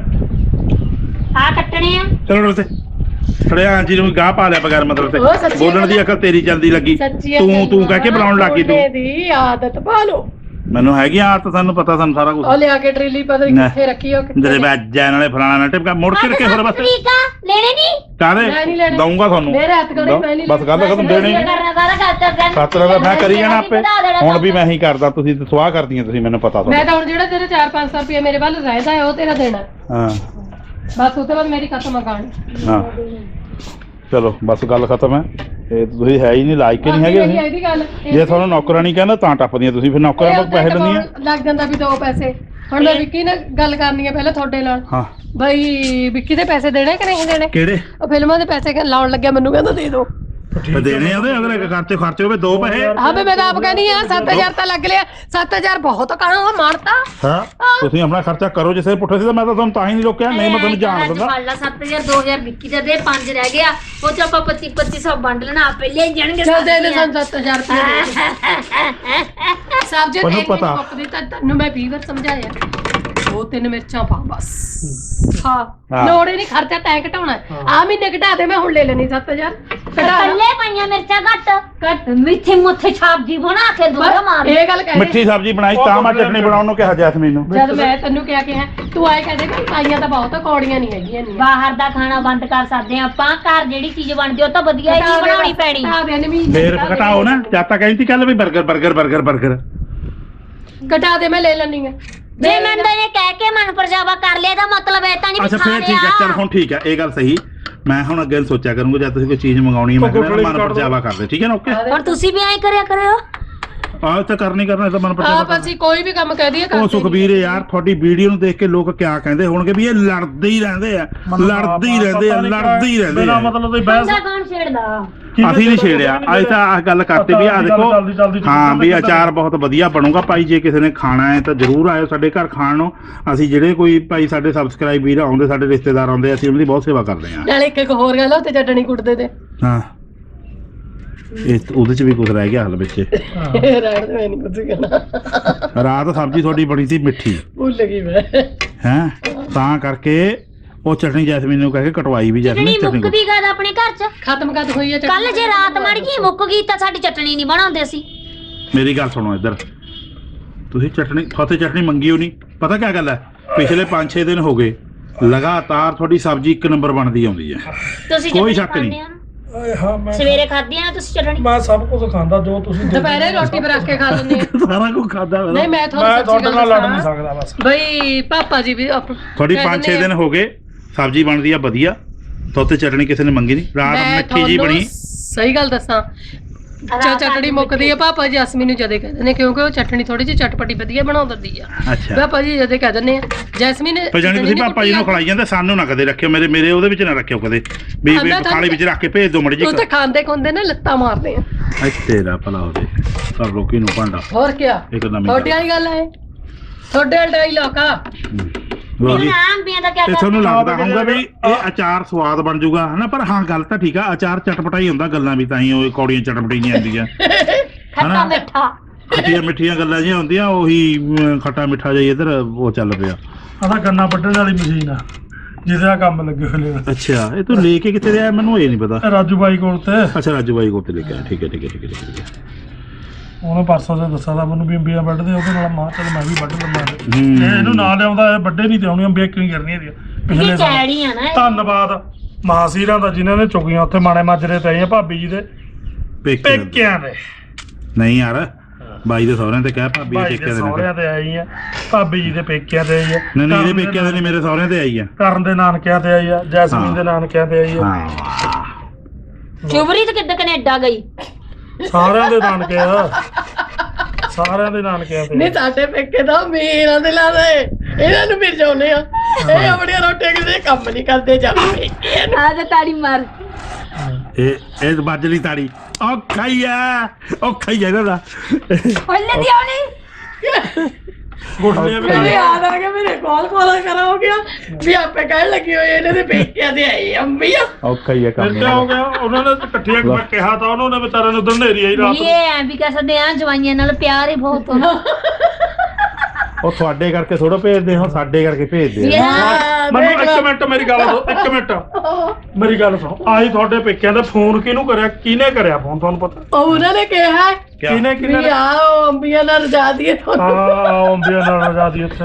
[SPEAKER 3] ਆ ਕੱਟਣੇ ਆ
[SPEAKER 1] ਚਲੋ ਉੱਥੇ ਖੜਿਆ ਆਂਜੀ ਨੂੰ ਗਾਹ ਪਾ ਲਿਆ ਬਗੈਰ ਮਤਲਬ
[SPEAKER 2] ਉਹ
[SPEAKER 1] ਤੇ
[SPEAKER 2] ਸੱਚੀ
[SPEAKER 1] ਬੋਲਣ ਦੀ ਅਕਲ ਤੇਰੀ ਚੱਲਦੀ ਲੱਗੀ ਤੂੰ ਕਹਿ ਕੇ ਬੁਲਾਉਣ ਲੱਗੀ ਤੂੰ
[SPEAKER 2] ਦੀ ਆਦਤ ਪਾ ਲੋ
[SPEAKER 1] ਮੈਨੂੰ ਹੈਗੀ ਆਦਤ ਸਾਨੂੰ ਪਤਾ ਸਾਨੂੰ ਸਾਰਾ ਕੁਝ
[SPEAKER 2] ਉਹ ਲਿਆ ਕੇ ਡਰਿਲੀ ਪਤਾ ਨੀ ਕਿੱਥੇ ਰੱਖੀ ਉਹ
[SPEAKER 1] ਜਿਹੜੇ ਬੈਜਾ ਨਾਲੇ ਫਲਾਣਾ ਨਾ ਟਿਪਕਾ ਮੁੜ ਕੇ ਰੱਖੇ ਹੋਰ ਬਸ
[SPEAKER 3] ਠੀਕ ਆ ਲੈਣੇ ਨਹੀਂ
[SPEAKER 2] ਮੈਂ
[SPEAKER 1] ਕਾਹਦੇ
[SPEAKER 2] ਨਹੀਂ ਲੈਣੇ।
[SPEAKER 1] ਦਊਂਗਾ ਤੁਹਾਨੂੰ
[SPEAKER 2] ਮੇਰੇ ਹੱਥ ਗੜੇ ਮੈਂ ਨਹੀਂ
[SPEAKER 1] ਬਸ ਗੱਲ ਖਤਮ ਦੇਣੀ
[SPEAKER 3] ਕਰਨਾ ਸਾਰਾ ਕਰਤਾ
[SPEAKER 1] ਖਾਤਰ ਦਾ ਮੈਂ ਕਰੀ ਜਾਣਾ ਆਪੇ ਹੁਣ ਵੀ ਮੈਂ ਹੀ ਕਰਦਾ ਤੁਸੀਂ ਤੇ ਸਵਾਹ ਕਰਦੀਆਂ ਤੁਸੀਂ ਮੈਨੂੰ ਪਤਾ
[SPEAKER 2] ਮੈਂ
[SPEAKER 1] ਤੁਹਾਨੂੰ
[SPEAKER 2] ਤਾਂ ਹੁਣ ਜਿਹੜਾ ਤੇਰੇ 4-500 ਰੁਪਏ ਮੇਰੇ ਵੱਲ ਰਹਿਦਾ ਹੈ ਉਹ ਤੇਰਾ ਦੇਣਾ
[SPEAKER 1] ਹਾਂ
[SPEAKER 2] ਬਸ ਉਸ ਤੋਂ ਬਾਅਦ ਮੇਰੀ ਖਤਮ ਆ ਕਹਾਣੀ
[SPEAKER 1] ਹਾਂ ਚਲੋ ਬਸ ਗੱਲ ਖਤਮ ਹੈ ਇਹ ਤੁਸੀਂ ਹੈ ਹੀ ਨਹੀਂ ਲਾਇਕ ਹੀ ਨਹੀਂ ਹੈਗੇ ਤੁਸੀਂ
[SPEAKER 2] ਇਹਦੀ ਗੱਲ
[SPEAKER 1] ਜੇ ਤੁਹਾਨੂੰ ਨੌਕਰਾਨੀ ਕਹਿੰਦਾ ਤਾਂ ਟੱਪਦੀਆਂ ਤੁਸੀਂ ਫਿਰ ਨੌਕਰਾਂ ਕੋਲ ਪੈਸੇ ਲੈਂਦੀਆਂ
[SPEAKER 2] ਲੱਗ ਜਾਂਦਾ ਵੀ 2 ਪੈਸੇ ਹੁਣ ਮੈਂ ਵਿੱਕੀ ਨਾਲ ਗੱਲ ਕਰਨੀ ਹੈ ਪਹਿਲਾਂ ਤੁਹਾਡੇ ਨਾਲ
[SPEAKER 1] ਹਾਂ
[SPEAKER 2] ਬਈ ਵਿੱਕੀ ਦੇ ਪੈਸੇ ਦੇਣੇ ਕਿ ਨਹੀਂ ਦੇਣੇ
[SPEAKER 1] ਕਿਹੜੇ
[SPEAKER 2] ਉਹ ਫਿਲਮਾਂ ਦੇ ਪੈਸੇ ਲਾਉਣ ਲੱਗਿਆ ਮੈਨੂੰ ਕਹਿੰਦਾ ਦੇ ਦਿਓ
[SPEAKER 1] ਦੇਣੇ ਉਹਦੇ ਅਗਲੇ ਖਰਚੇ ਹੋਵੇ 2 ਪੈਸੇ
[SPEAKER 2] ਹਾਂ ਵੀ ਮੈਂ ਤਾਂ ਆਪ ਕਹਿੰਦੀ ਆ 7000 ਤਾਂ ਲੱਗ ਲਿਆ 7000 ਬਹੁਤ ਕਹਾਂ ਮਾਰਤਾ
[SPEAKER 1] ਹਾਂ ਤੁਸੀਂ ਆਪਣਾ ਖਰਚਾ ਕਰੋ ਜਿਸੇ ਪੁੱਠੇ ਸੀ ਤਾਂ ਮੈਂ ਤਾਂ ਤੁਹਾਨੂੰ ਤਾਂ ਹੀ ਨਹੀਂ ਰੋਕਿਆ ਨਹੀਂ ਮੈਂ ਤੁਹਾਨੂੰ ਜਾਣ ਦਿੰਦਾ
[SPEAKER 3] ਫੜ ਲਾ 7000 2000 ਵਿੱਕੀ ਦਾ ਦੇ 5 ਰਹਿ ਗਿਆ ਉਹ ਚ ਆਪਾਂ 2500 ਵੰਡ ਲੈਣਾ ਆਪੇ ਲੈ ਜਾਣਗੇ
[SPEAKER 2] ਚੱਲ ਦੇ ਦੇ ਸਾਨੂੰ 7000 ਰੁਪਏ ਸਭ ਜੇ
[SPEAKER 1] ਮੈਨੂੰ ਪਤਾ।
[SPEAKER 2] ਮੁੱਕਦੀ ਤਾਂ ਤੈਨੂੰ ਮੈਂ 20 ਵਾਰ ਸਮਝਾਇਆ 2-3 ਮਿਰਚਾਂ ਪਾ ਬਸ ਹਾਂ ਲੋੜ ਹੀ ਨਹੀਂ ਖਰਚਾ ਤੈਂ ਘਟਾਉਣਾ ਆ ਮਹੀਨੇ ਘਟਾ ਦੇ ਮੈਂ ਹੁਣ ਲੈ ਲੈਣੀ 7000 ਘਟਾ
[SPEAKER 3] ਕੱਲੇ ਪਾਈਆਂ ਮਿਰਚਾਂ ਘੱਟ ਮਿੱਠੇ ਮੁੱਠੇ ਛਾਪ ਜੀ ਬਣਾ ਕੇ ਦੋ ਮਾਰ
[SPEAKER 2] ਇਹ ਗੱਲ ਕਹਿ
[SPEAKER 1] ਮਿੱਠੀ ਸਬਜ਼ੀ ਬਣਾਈ ਤਾਂ ਮੈਂ ਚਟਨੀ ਬਣਾਉਣ ਨੂੰ ਕਿਹਾ ਜੈਸਮੀਨ ਨੂੰ
[SPEAKER 2] ਜਦ ਮੈਂ ਤੈਨੂੰ ਕਿਹਾ ਤੂੰ ਆਏ ਕਹਿੰਦੇ ਕਿ ਪਾਈਆਂ ਤਾਂ ਬਹੁਤ ਕੌੜੀਆਂ ਨਹੀਂ ਹੈਗੀਆਂ ਨਹੀਂ
[SPEAKER 3] ਬਾਹਰ ਦਾ ਖਾਣਾ ਬੰਦ ਕਰ ਸਕਦੇ ਆ ਆਪਾਂ ਘਰ ਜਿਹੜੀ ਚੀਜ਼ ਬਣਦੀ ਉਹ ਤਾਂ ਵਧੀਆ ਹੀ ਬਣਾਉਣੀ ਪੈਣੀ
[SPEAKER 1] ਫੇਰ ਘਟਾਓ ਨਾ ਜਦ ਤੱਕ ਕਹਿੰਦੀ ਕੱਲ ਵੀ 버ਗਰ
[SPEAKER 2] ਘਟਾ ਦੇ ਮੈਂ ਲੈ ਲੈਣੀ ਆ
[SPEAKER 3] ਜੇ ਮੈਂ ਨੇ ਕਹਿ ਕੇ ਮਨ ਪਰਜਾਵਾ ਕਰ ਲਿਆ ਤਾਂ ਮਤਲਬ ਇਹ ਤਾਂ ਨਹੀਂ
[SPEAKER 1] ਅੱਛਾ ਫੇਰ ਠੀਕ ਹੈ ਚੱਲ ਹੁਣ ਠੀਕ ਹੈ ਇਹ ਗੱਲ ਸਹੀ ਮੈਂ ਹੁਣ ਅੱਗੇ ਸੋਚਿਆ ਕਰੂੰਗਾ ਜਦ ਤੁਸੀਂ ਕੋਈ ਚੀਜ਼ ਮੰਗਾਉਣੀ ਹੈ ਮੈਂ ਕਹਿੰਦਾ ਮਨ ਪਰਚਾਵਾ ਕਰਦੇ ਠੀਕ ਹੈ ਨਾ ਓਕੇ
[SPEAKER 3] ਹੁਣ ਤੁਸੀਂ ਵੀ ਐਂ ਕਰਿਆ ਕਰਿਓ
[SPEAKER 1] ਆਹ ਤਾਂ ਕਰਨਾ ਇਹ ਤਾਂ ਮਨ ਪਰਚਾਵਾ
[SPEAKER 2] ਆਪ ਅਸੀਂ ਕੋਈ ਵੀ ਕੰਮ ਕਹਿ ਦਈਏ
[SPEAKER 1] ਉਹ ਸੁਖਬੀਰ ਯਾਰ ਤੁਹਾਡੀ ਵੀਡੀਓ ਨੂੰ ਦੇਖ ਕੇ ਲੋਕ ਕਿਆ ਕਹਿੰਦੇ ਹੋਣਗੇ ਵੀ ਇਹ ਲੜਦੇ ਹੀ ਰਹਿੰਦੇ ਆ
[SPEAKER 4] ਬਿਨਾਂ ਮਤਲਬ ਦੀ ਬਹਿਸ
[SPEAKER 3] ਬੰਦਾ ਕੌਣ ਛੇੜਦਾ
[SPEAKER 1] ਅਸੀਂ ਨਹੀਂ ਛੇੜਿਆ ਅੱਜ ਤਾਂ ਆਹ ਗੱਲ ਕਰਤੇ ਵੀ ਆ ਦੇਖੋ ਹਾਂ ਵੀ ਅਚਾਰ ਬਹੁਤ ਵਧੀਆ ਬਣੂਗਾ ਭਾਈ ਜੇ ਕਿਸੇ ਨੇ ਖਾਣਾ ਹੈ ਤਾਂ ਜ਼ਰੂਰ ਆਇਓ ਸਾਡੇ ਘਰ ਖਾਣ ਨੂੰ ਅਸੀਂ ਜਿਹੜੇ ਕੋਈ ਭਾਈ ਸਾਡੇ ਸਬਸਕ੍ਰਾਈਬ ਵੀਰ ਆਉਂਦੇ ਸਾਡੇ ਰਿਸ਼ਤੇਦਾਰ ਆਉਂਦੇ ਅਸੀਂ ਉਹਨਾਂ ਦੀ ਬਹੁਤ ਸੇਵਾ ਕਰਦੇ ਹਾਂ
[SPEAKER 2] ਨਾਲੇ ਇੱਕ ਹੋਰ ਗੱਲ ਉੱਤੇ ਚਟਣੀ ਕੁੱਟਦੇ ਤੇ
[SPEAKER 1] ਹਾਂ ਇਹ ਉਹਦੇ ਚ ਵੀ ਕੁਝ ਰਹਿ ਗਿਆ ਹਲ ਵਿੱਚ
[SPEAKER 2] ਰਹਿਣ ਦੇ ਮੈਂ ਨਹੀਂ ਕੁਝ ਕਹਿਣਾ
[SPEAKER 1] ਰਾਤ ਸਬਜ਼ੀ ਤੁਹਾਡੀ ਬਣੀ ਸੀ ਮਿੱਠੀ
[SPEAKER 2] ਭੁੱਲ ਗਈ ਮੈਂ
[SPEAKER 1] ਹੈ ਤਾਂ ਕਰਕੇ ਉਹ ਚਟਨੀ ਜੈਸਮੀਨ ਨੂੰ ਕਹਿ ਕੇ ਕਟਵਾਈ ਵੀ
[SPEAKER 3] ਚਟਣੀ ਮੁੱਕਦੀ ਗਾ ਆਪਣੇ ਘਰ ਚ
[SPEAKER 2] ਖਤਮ ਕਦ ਹੋਈ ਹੈ
[SPEAKER 3] ਕੱਲ ਜੇ ਰਾਤ ਮੜ ਗਈ ਮੁੱਕ ਗਈ ਤਾਂ ਸਾਡੀ ਚਟਣੀ ਨਹੀਂ ਬਣਾਉਂਦੇ ਸੀ
[SPEAKER 1] ਮੇਰੀ ਗੱਲ ਸੁਣੋ ਇੱਧਰ ਤੁਸੀਂ ਚਟਨੀ ਫਤਿਹ ਚਟਨੀ ਮੰਗੀ ਹੋ ਨਹੀਂ ਪਤਾ ਕੀ ਗੱਲ ਹੈ ਪਿਛਲੇ 5-6 ਦਿਨ ਹੋ ਗਏ ਲਗਾਤਾਰ ਤੁਹਾਡੀ ਸਬਜ਼ੀ ਇੱਕ ਨੰਬਰ ਬਣਦੀ ਆਉਂਦੀ ਹੈ।
[SPEAKER 3] ਤੁਸੀਂ
[SPEAKER 1] ਕੋਈ
[SPEAKER 3] ਚਟਣੀ
[SPEAKER 1] ਸ਼ੱਕ ਨਹੀਂ।
[SPEAKER 3] ਖਾਂਦੇ ਹੋ ਨਾ?
[SPEAKER 4] ਓਏ ਹਾਂ ਮੈਂ
[SPEAKER 3] ਸਵੇਰੇ ਖਾਧੀ ਆ ਨਾ ਤੁਸੀਂ ਚਟਣੀ?
[SPEAKER 4] ਮੈਂ ਸਭ ਕੁਝ ਖਾਂਦਾ ਜੋ ਤੁਸੀਂ
[SPEAKER 2] ਦੁਪਹਿਰੇ ਰੋਟੀ ਬਣਾ ਕੇ ਖਾ ਲੈਂਦੇ ਆ।
[SPEAKER 1] ਸਾਰਾ ਕੁਝ ਖਾਦਾ
[SPEAKER 2] ਨਹੀਂ ਮੈਂ
[SPEAKER 4] ਮੈਂ
[SPEAKER 2] ਤੁਹਾਨੂੰ
[SPEAKER 4] ਤੁਹਾਡੇ ਨਾਲ ਲੜ ਨਹੀਂ
[SPEAKER 2] ਦੱਸਾਂ,
[SPEAKER 4] ਸਕਦਾ ਬਸ।
[SPEAKER 2] ਬਈ ਪਾਪਾ ਜੀ ਵੀ
[SPEAKER 1] ਤੁਹਾਡੀ 5-6 ਦਿਨ ਹੋ ਗਏ ਸਬਜ਼ੀ ਬਣਦੀ ਆ ਵਧੀਆ, ਤੋਤੇ ਚਟਣੀ ਕਿਸੇ ਨੇ ਮੰਗੀ ਨਹੀਂ, ਰਾਤ
[SPEAKER 2] ਮੈਂ
[SPEAKER 1] ਮਿੱਠੀ ਜੀ ਬਣੀ।
[SPEAKER 2] ਸਹੀ ਗੱਲ ਦੱਸਾਂ, ਚਟਣੀ ਮੁੱਕਦੀ ਆ ਪਾਪਾ ਜੀ ਅਸਮੀ ਨੂੰ ਜਦੇ ਕਹਿ ਦਿੰਦੇ, ਕਿਉਂਕਿ ਉਹ ਚਟਣੀ ਥੋੜੀ ਜਿਹੀ ਚਟਪਟੀ ਵਧੀਆ ਬਣਾ ਦਿੰਦੀ ਆ।
[SPEAKER 1] ਅੱਛਾ
[SPEAKER 2] ਪਾਪਾ ਜੀ ਜਦੇ ਕਹਿ ਦਿੰਦੇ ਆ ਜੈਸਮੀਨ
[SPEAKER 1] ਪਰ ਜਾਨੀ ਤੁਸੀਂ ਪਾਪਾ ਜੀ ਨੂੰ ਖਿਲਾਈ ਜਾਂਦੇ, ਸਾਨੂੰ ਨਾ ਕਦੇ ਰੱਖਿਓ, ਮੇਰੇ ਉਹਦੇ ਵਿੱਚ ਨਾ ਰੱਖਿਓ ਕਦੇ ਵੀ ਥਾਲੀ ਵਿੱਚ ਰੱਖ ਕੇ ਭੇਜ ਦਿਓ ਮੜੀ ਜੀ।
[SPEAKER 2] ਉਹ ਤਾਂ ਖਾਂਦੇ ਖੁੰਦੇ ਨੇ ਲੱਤਾਂ ਮਾਰਦੇ ਆ।
[SPEAKER 1] ਤੇਰਾ ਭਲਾ ਹੋਵੇ ਕਰ ਲੋਕੀ ਨੂੰ ਭਾਂਡਾ
[SPEAKER 2] ਹੋਰ ਕੀ
[SPEAKER 1] ਇੱਕ ਨਵੀਂ
[SPEAKER 2] ਤੁਹਾਡੀ ਵਾਲੀ ਗੱਲ ਹੈ, ਤੁਹਾਡੇ ਵਾਲਾ ਡਾਇਲੌਗ ਆ।
[SPEAKER 1] ਲਓ ਜੀ।
[SPEAKER 3] ਅੰਬੀਆਂ ਦਾ ਕੀ
[SPEAKER 1] ਤੇ ਤੁਹਾਨੂੰ ਲੱਗਦਾ ਹੋਊਗਾ ਵੀ ਇਹ ਅਚਾਰ ਸਵਾਦ ਬਣ ਜਾਊਗਾ ਹਨਾ, ਪਰ ਹਾਂ ਗੱਲ ਤਾਂ ਠੀਕ ਆ, ਅਚਾਰ ਚਟਪਟਾ ਹੀ ਹੁੰਦਾ, ਗੱਲਾਂ ਵੀ ਤਾਂ ਹੀ ਉਹ ਕੌੜੀਆਂ ਚਟਪਟੀ ਨਹੀਂ ਆਉਂਦੀਆਂ
[SPEAKER 3] ਖੱਟਾ ਮਿੱਠਾ
[SPEAKER 1] ਖੱਟੀਆਂ ਮਿੱਠੀਆਂ ਗੱਲਾਂ ਜਿਹੀਆਂ ਹੁੰਦੀਆਂ, ਉਹੀ ਖੱਟਾ ਮਿੱਠਾ ਜਿਹਾ ਇੱਧਰ ਉਹ ਚੱਲ ਪਿਆ।
[SPEAKER 4] ਆਹ ਗੰਨਾ ਵੱਢਣ ਵਾਲੀ ਮਸ਼ੀਨ ਆ ਜਿਹਦੇ ਆ ਕੰਮ ਲੱਗੇ ਹੋਏ ਨੇ।
[SPEAKER 1] ਅੱਛਾ ਇਹ ਤੂੰ ਲੈ ਕੇ ਕਿੱਥੇ ਰਿਹਾ ਮੈਨੂੰ ਇਹ ਨਹੀਂ ਪਤਾ।
[SPEAKER 4] ਰਾਜੂ ਬਾਈ ਕੋਲ ਤੇ
[SPEAKER 1] ਅੱਛਾ ਰਾਜੂ ਬਾਈ ਕੋਲ ਤੇ ਲੈ ਕੇ ਆਇਆ, ਠੀਕ ਹੈ ਠੀਕ ਹੈ ਠੀਕ ਹੈ ਠੀਕ ਹੈ।
[SPEAKER 4] ਉਹਨੇ ਪਰਸੋਂ ਦੇ ਦੱਸਿਆ ਤਾਂ ਮੈਨੂੰ ਵੀ ਅੰਬੀਆਂ ਵੱਢਦੇ, ਉਹਦੇ ਨਾਲ ਮਾਂ ਚੱਲ ਮੈਂ ਵੀ ਵੱਢ ਲੰਮਾ
[SPEAKER 1] ਹੂੰ।
[SPEAKER 4] ਇਹ ਇਹਨੂੰ ਨਾ ਲਿਆਉਂਦਾ ਇਹ ਵੱਡੇ ਨਹੀਂ ਤੇ ਆਉਣੀਆਂ ਅੰਬੀਆਂ ਕਿਉਂ ਕਰਨੀਆਂ ਇਹਦੀਆਂ ਪਿਛਲੇ
[SPEAKER 3] ਇਹ
[SPEAKER 4] ਸਾਲ।
[SPEAKER 3] ਚੈੜੀ ਆ ਨਾ ਇਹ।
[SPEAKER 4] ਧੰਨਵਾਦ ਮਹਾਸੀਰਾਂ ਦਾ ਜਿਨ੍ਹਾਂ ਨੇ ਚੁਗੀਆਂ ਉੱਥੇ ਮਾਣੇ ਮਾਜਰੇ ਤੇ ਆਈਆਂ ਭਾਬੀ ਜੀ ਦੇ ਪੇਕਿਆਂ ਦੇ।
[SPEAKER 1] ਨਹੀਂ ਯਾਰ ਬਾਈ ਦੇ ਸਹੁਰਿਆਂ ਤੇ ਕਹਿ ਭਾਬੀ ਦੇ
[SPEAKER 4] ਭਾਈ ਦੇ
[SPEAKER 1] ਪੇਕਿਆਂ ਦੇ
[SPEAKER 4] ਸਹੁਰਿਆਂ ਤੇ ਆਈ ਆ, ਭਾਬੀ ਜੀ ਦੇ ਪੇਕਿਆਂ ਤੇ ਆਈ ਆ,
[SPEAKER 1] ਨਹੀਂ ਨਹੀਂ ਇਹਦੇ
[SPEAKER 4] ਕਰਨ ਦੇ
[SPEAKER 1] ਪੇਕਿਆਂ ਦੇ ਨਹੀਂ, ਮੇਰੇ ਸਹੁਰਿਆਂ ਤੇ ਆਈ ਆ।
[SPEAKER 4] ਕਰਨ ਦੇ ਨਾਨਕਿਆਂ ਤੇ ਆਈ ਆ, ਜੈਸਮੀਨ ਦੇ ਨਾਨਕਿਆਂ ਤੇ ਆਈ ਆ,
[SPEAKER 1] ਹਾਂ
[SPEAKER 3] ਚੁਬਰੀ ਤੇ ਕਿੱਦਾਂ ਕੈਨੇਡਾ ਗਈ?
[SPEAKER 4] ਸਾਰਿਆਂ ਦੇ ਨਾਨਕੇ ਆ, ਸਾਰਿਆਂ ਦੇ ਨਾਨਕਿਆਂ ਤੇ।
[SPEAKER 2] ਨਹੀਂ ਸਾਡੇ ਪੇਕੇ ਤਾਂ ਮੇਰਾ ਦੇ ਲਾ ਦੇ, ਇਹਨਾਂ ਨੂੰ ਵੀ ਜਾਉਨੇ ਆ, ਇਹ ਆਪਣੀਆਂ ਰੋਟੀਆਂ ਕਿਸੇ ਕੰਮ ਨਹੀਂ ਕਰਦੇ ਜਾਂਦੇ।
[SPEAKER 3] ਆ ਜਾ ਤਾੜੀ ਮਾਰ।
[SPEAKER 1] ਇਹ ਵੱਜ ਲਈ ਤਾੜੀ ਔਖਾ ਹੀ ਆ ਇਹਨਾਂ ਦਾ।
[SPEAKER 3] ਹੱਲੇ ਦੀ ਆਉਣੀ
[SPEAKER 4] ਗੁੱਟਲੀਆਂ ਵੀ
[SPEAKER 2] ਮੇਰੇ ਯਾਦ ਆ ਗਿਆ, ਮੇਰੇ ਕਾਲ ਕਰਾ ਹੋ ਗਿਆ ਵੀ ਆਪੇ ਕਹਿਣ ਲੱਗੀ ਹੋਈ ਇਹਨਾਂ ਦੇ ਪੇਕਿਆਂ ਦੇ ਆਈ ਅੰਬੀਆਂ।
[SPEAKER 1] ਔਖਾ ਹੀ ਆ
[SPEAKER 4] ਫਿਰ ਕਿਆ ਹੋ ਗਿਆ, ਉਹਨਾਂ ਨੇ ਇਕੱਠੀਆਂ ਕਿਹਾ ਤਾਂ ਉਹਨਾਂ ਨੇ ਵਿਚਾਰਿਆਂ ਨੂੰ ਉਧਰ ਨੇਰੀ ਆਈ ਰਾਤ
[SPEAKER 3] ਇਹ ਐ ਵੀ ਕਹਿ ਸਕਦੇ ਆ ਜਵਾਈਆਂ ਨਾਲ ਪਿਆਰ ਹੀ ਬਹੁਤ ਹੁੰਦਾ।
[SPEAKER 1] ਉਹ ਤੁਹਾਡੇ ਕਰਕੇ ਥੋੜਾ ਭੇਜਦੇ ਹੋ, ਸਾਡੇ ਕਰਕੇ ਭੇਜਦੇ ਆ।
[SPEAKER 4] ਮੈਨੂੰ ਇੱਕ ਮਿੰਟ ਮੇਰੀ ਗੱਲ ਸੁਣੋ, ਇੱਕ ਮਿੰਟ ਮੇਰੀ ਗੱਲ ਸੁਣੋ। ਆਈ ਤੁਹਾਡੇ ਪੇਕਿਆਂ ਦਾ ਫੋਨ ਕਿਹਨੂੰ ਕਰਿਆ, ਕਿਹਨੇ ਕਰਿਆ ਫੋਨ ਤੁਹਾਨੂੰ ਪਤਾ?
[SPEAKER 2] ਉਹ ਉਹਨਾਂ ਨੇ ਕਿਹਾ
[SPEAKER 4] ਕਿਹਨੇ
[SPEAKER 2] ਵੀ ਆਓ ਅੰਬੀਆਂ ਨਾਲ ਰਜਾ ਦਈਏ ਤੁਹਾਨੂੰ।
[SPEAKER 4] ਹਾਂ ਅੰਬੀਆਂ ਨਾਲ ਆਜ਼ਾਦੀ ਉੱਥੇ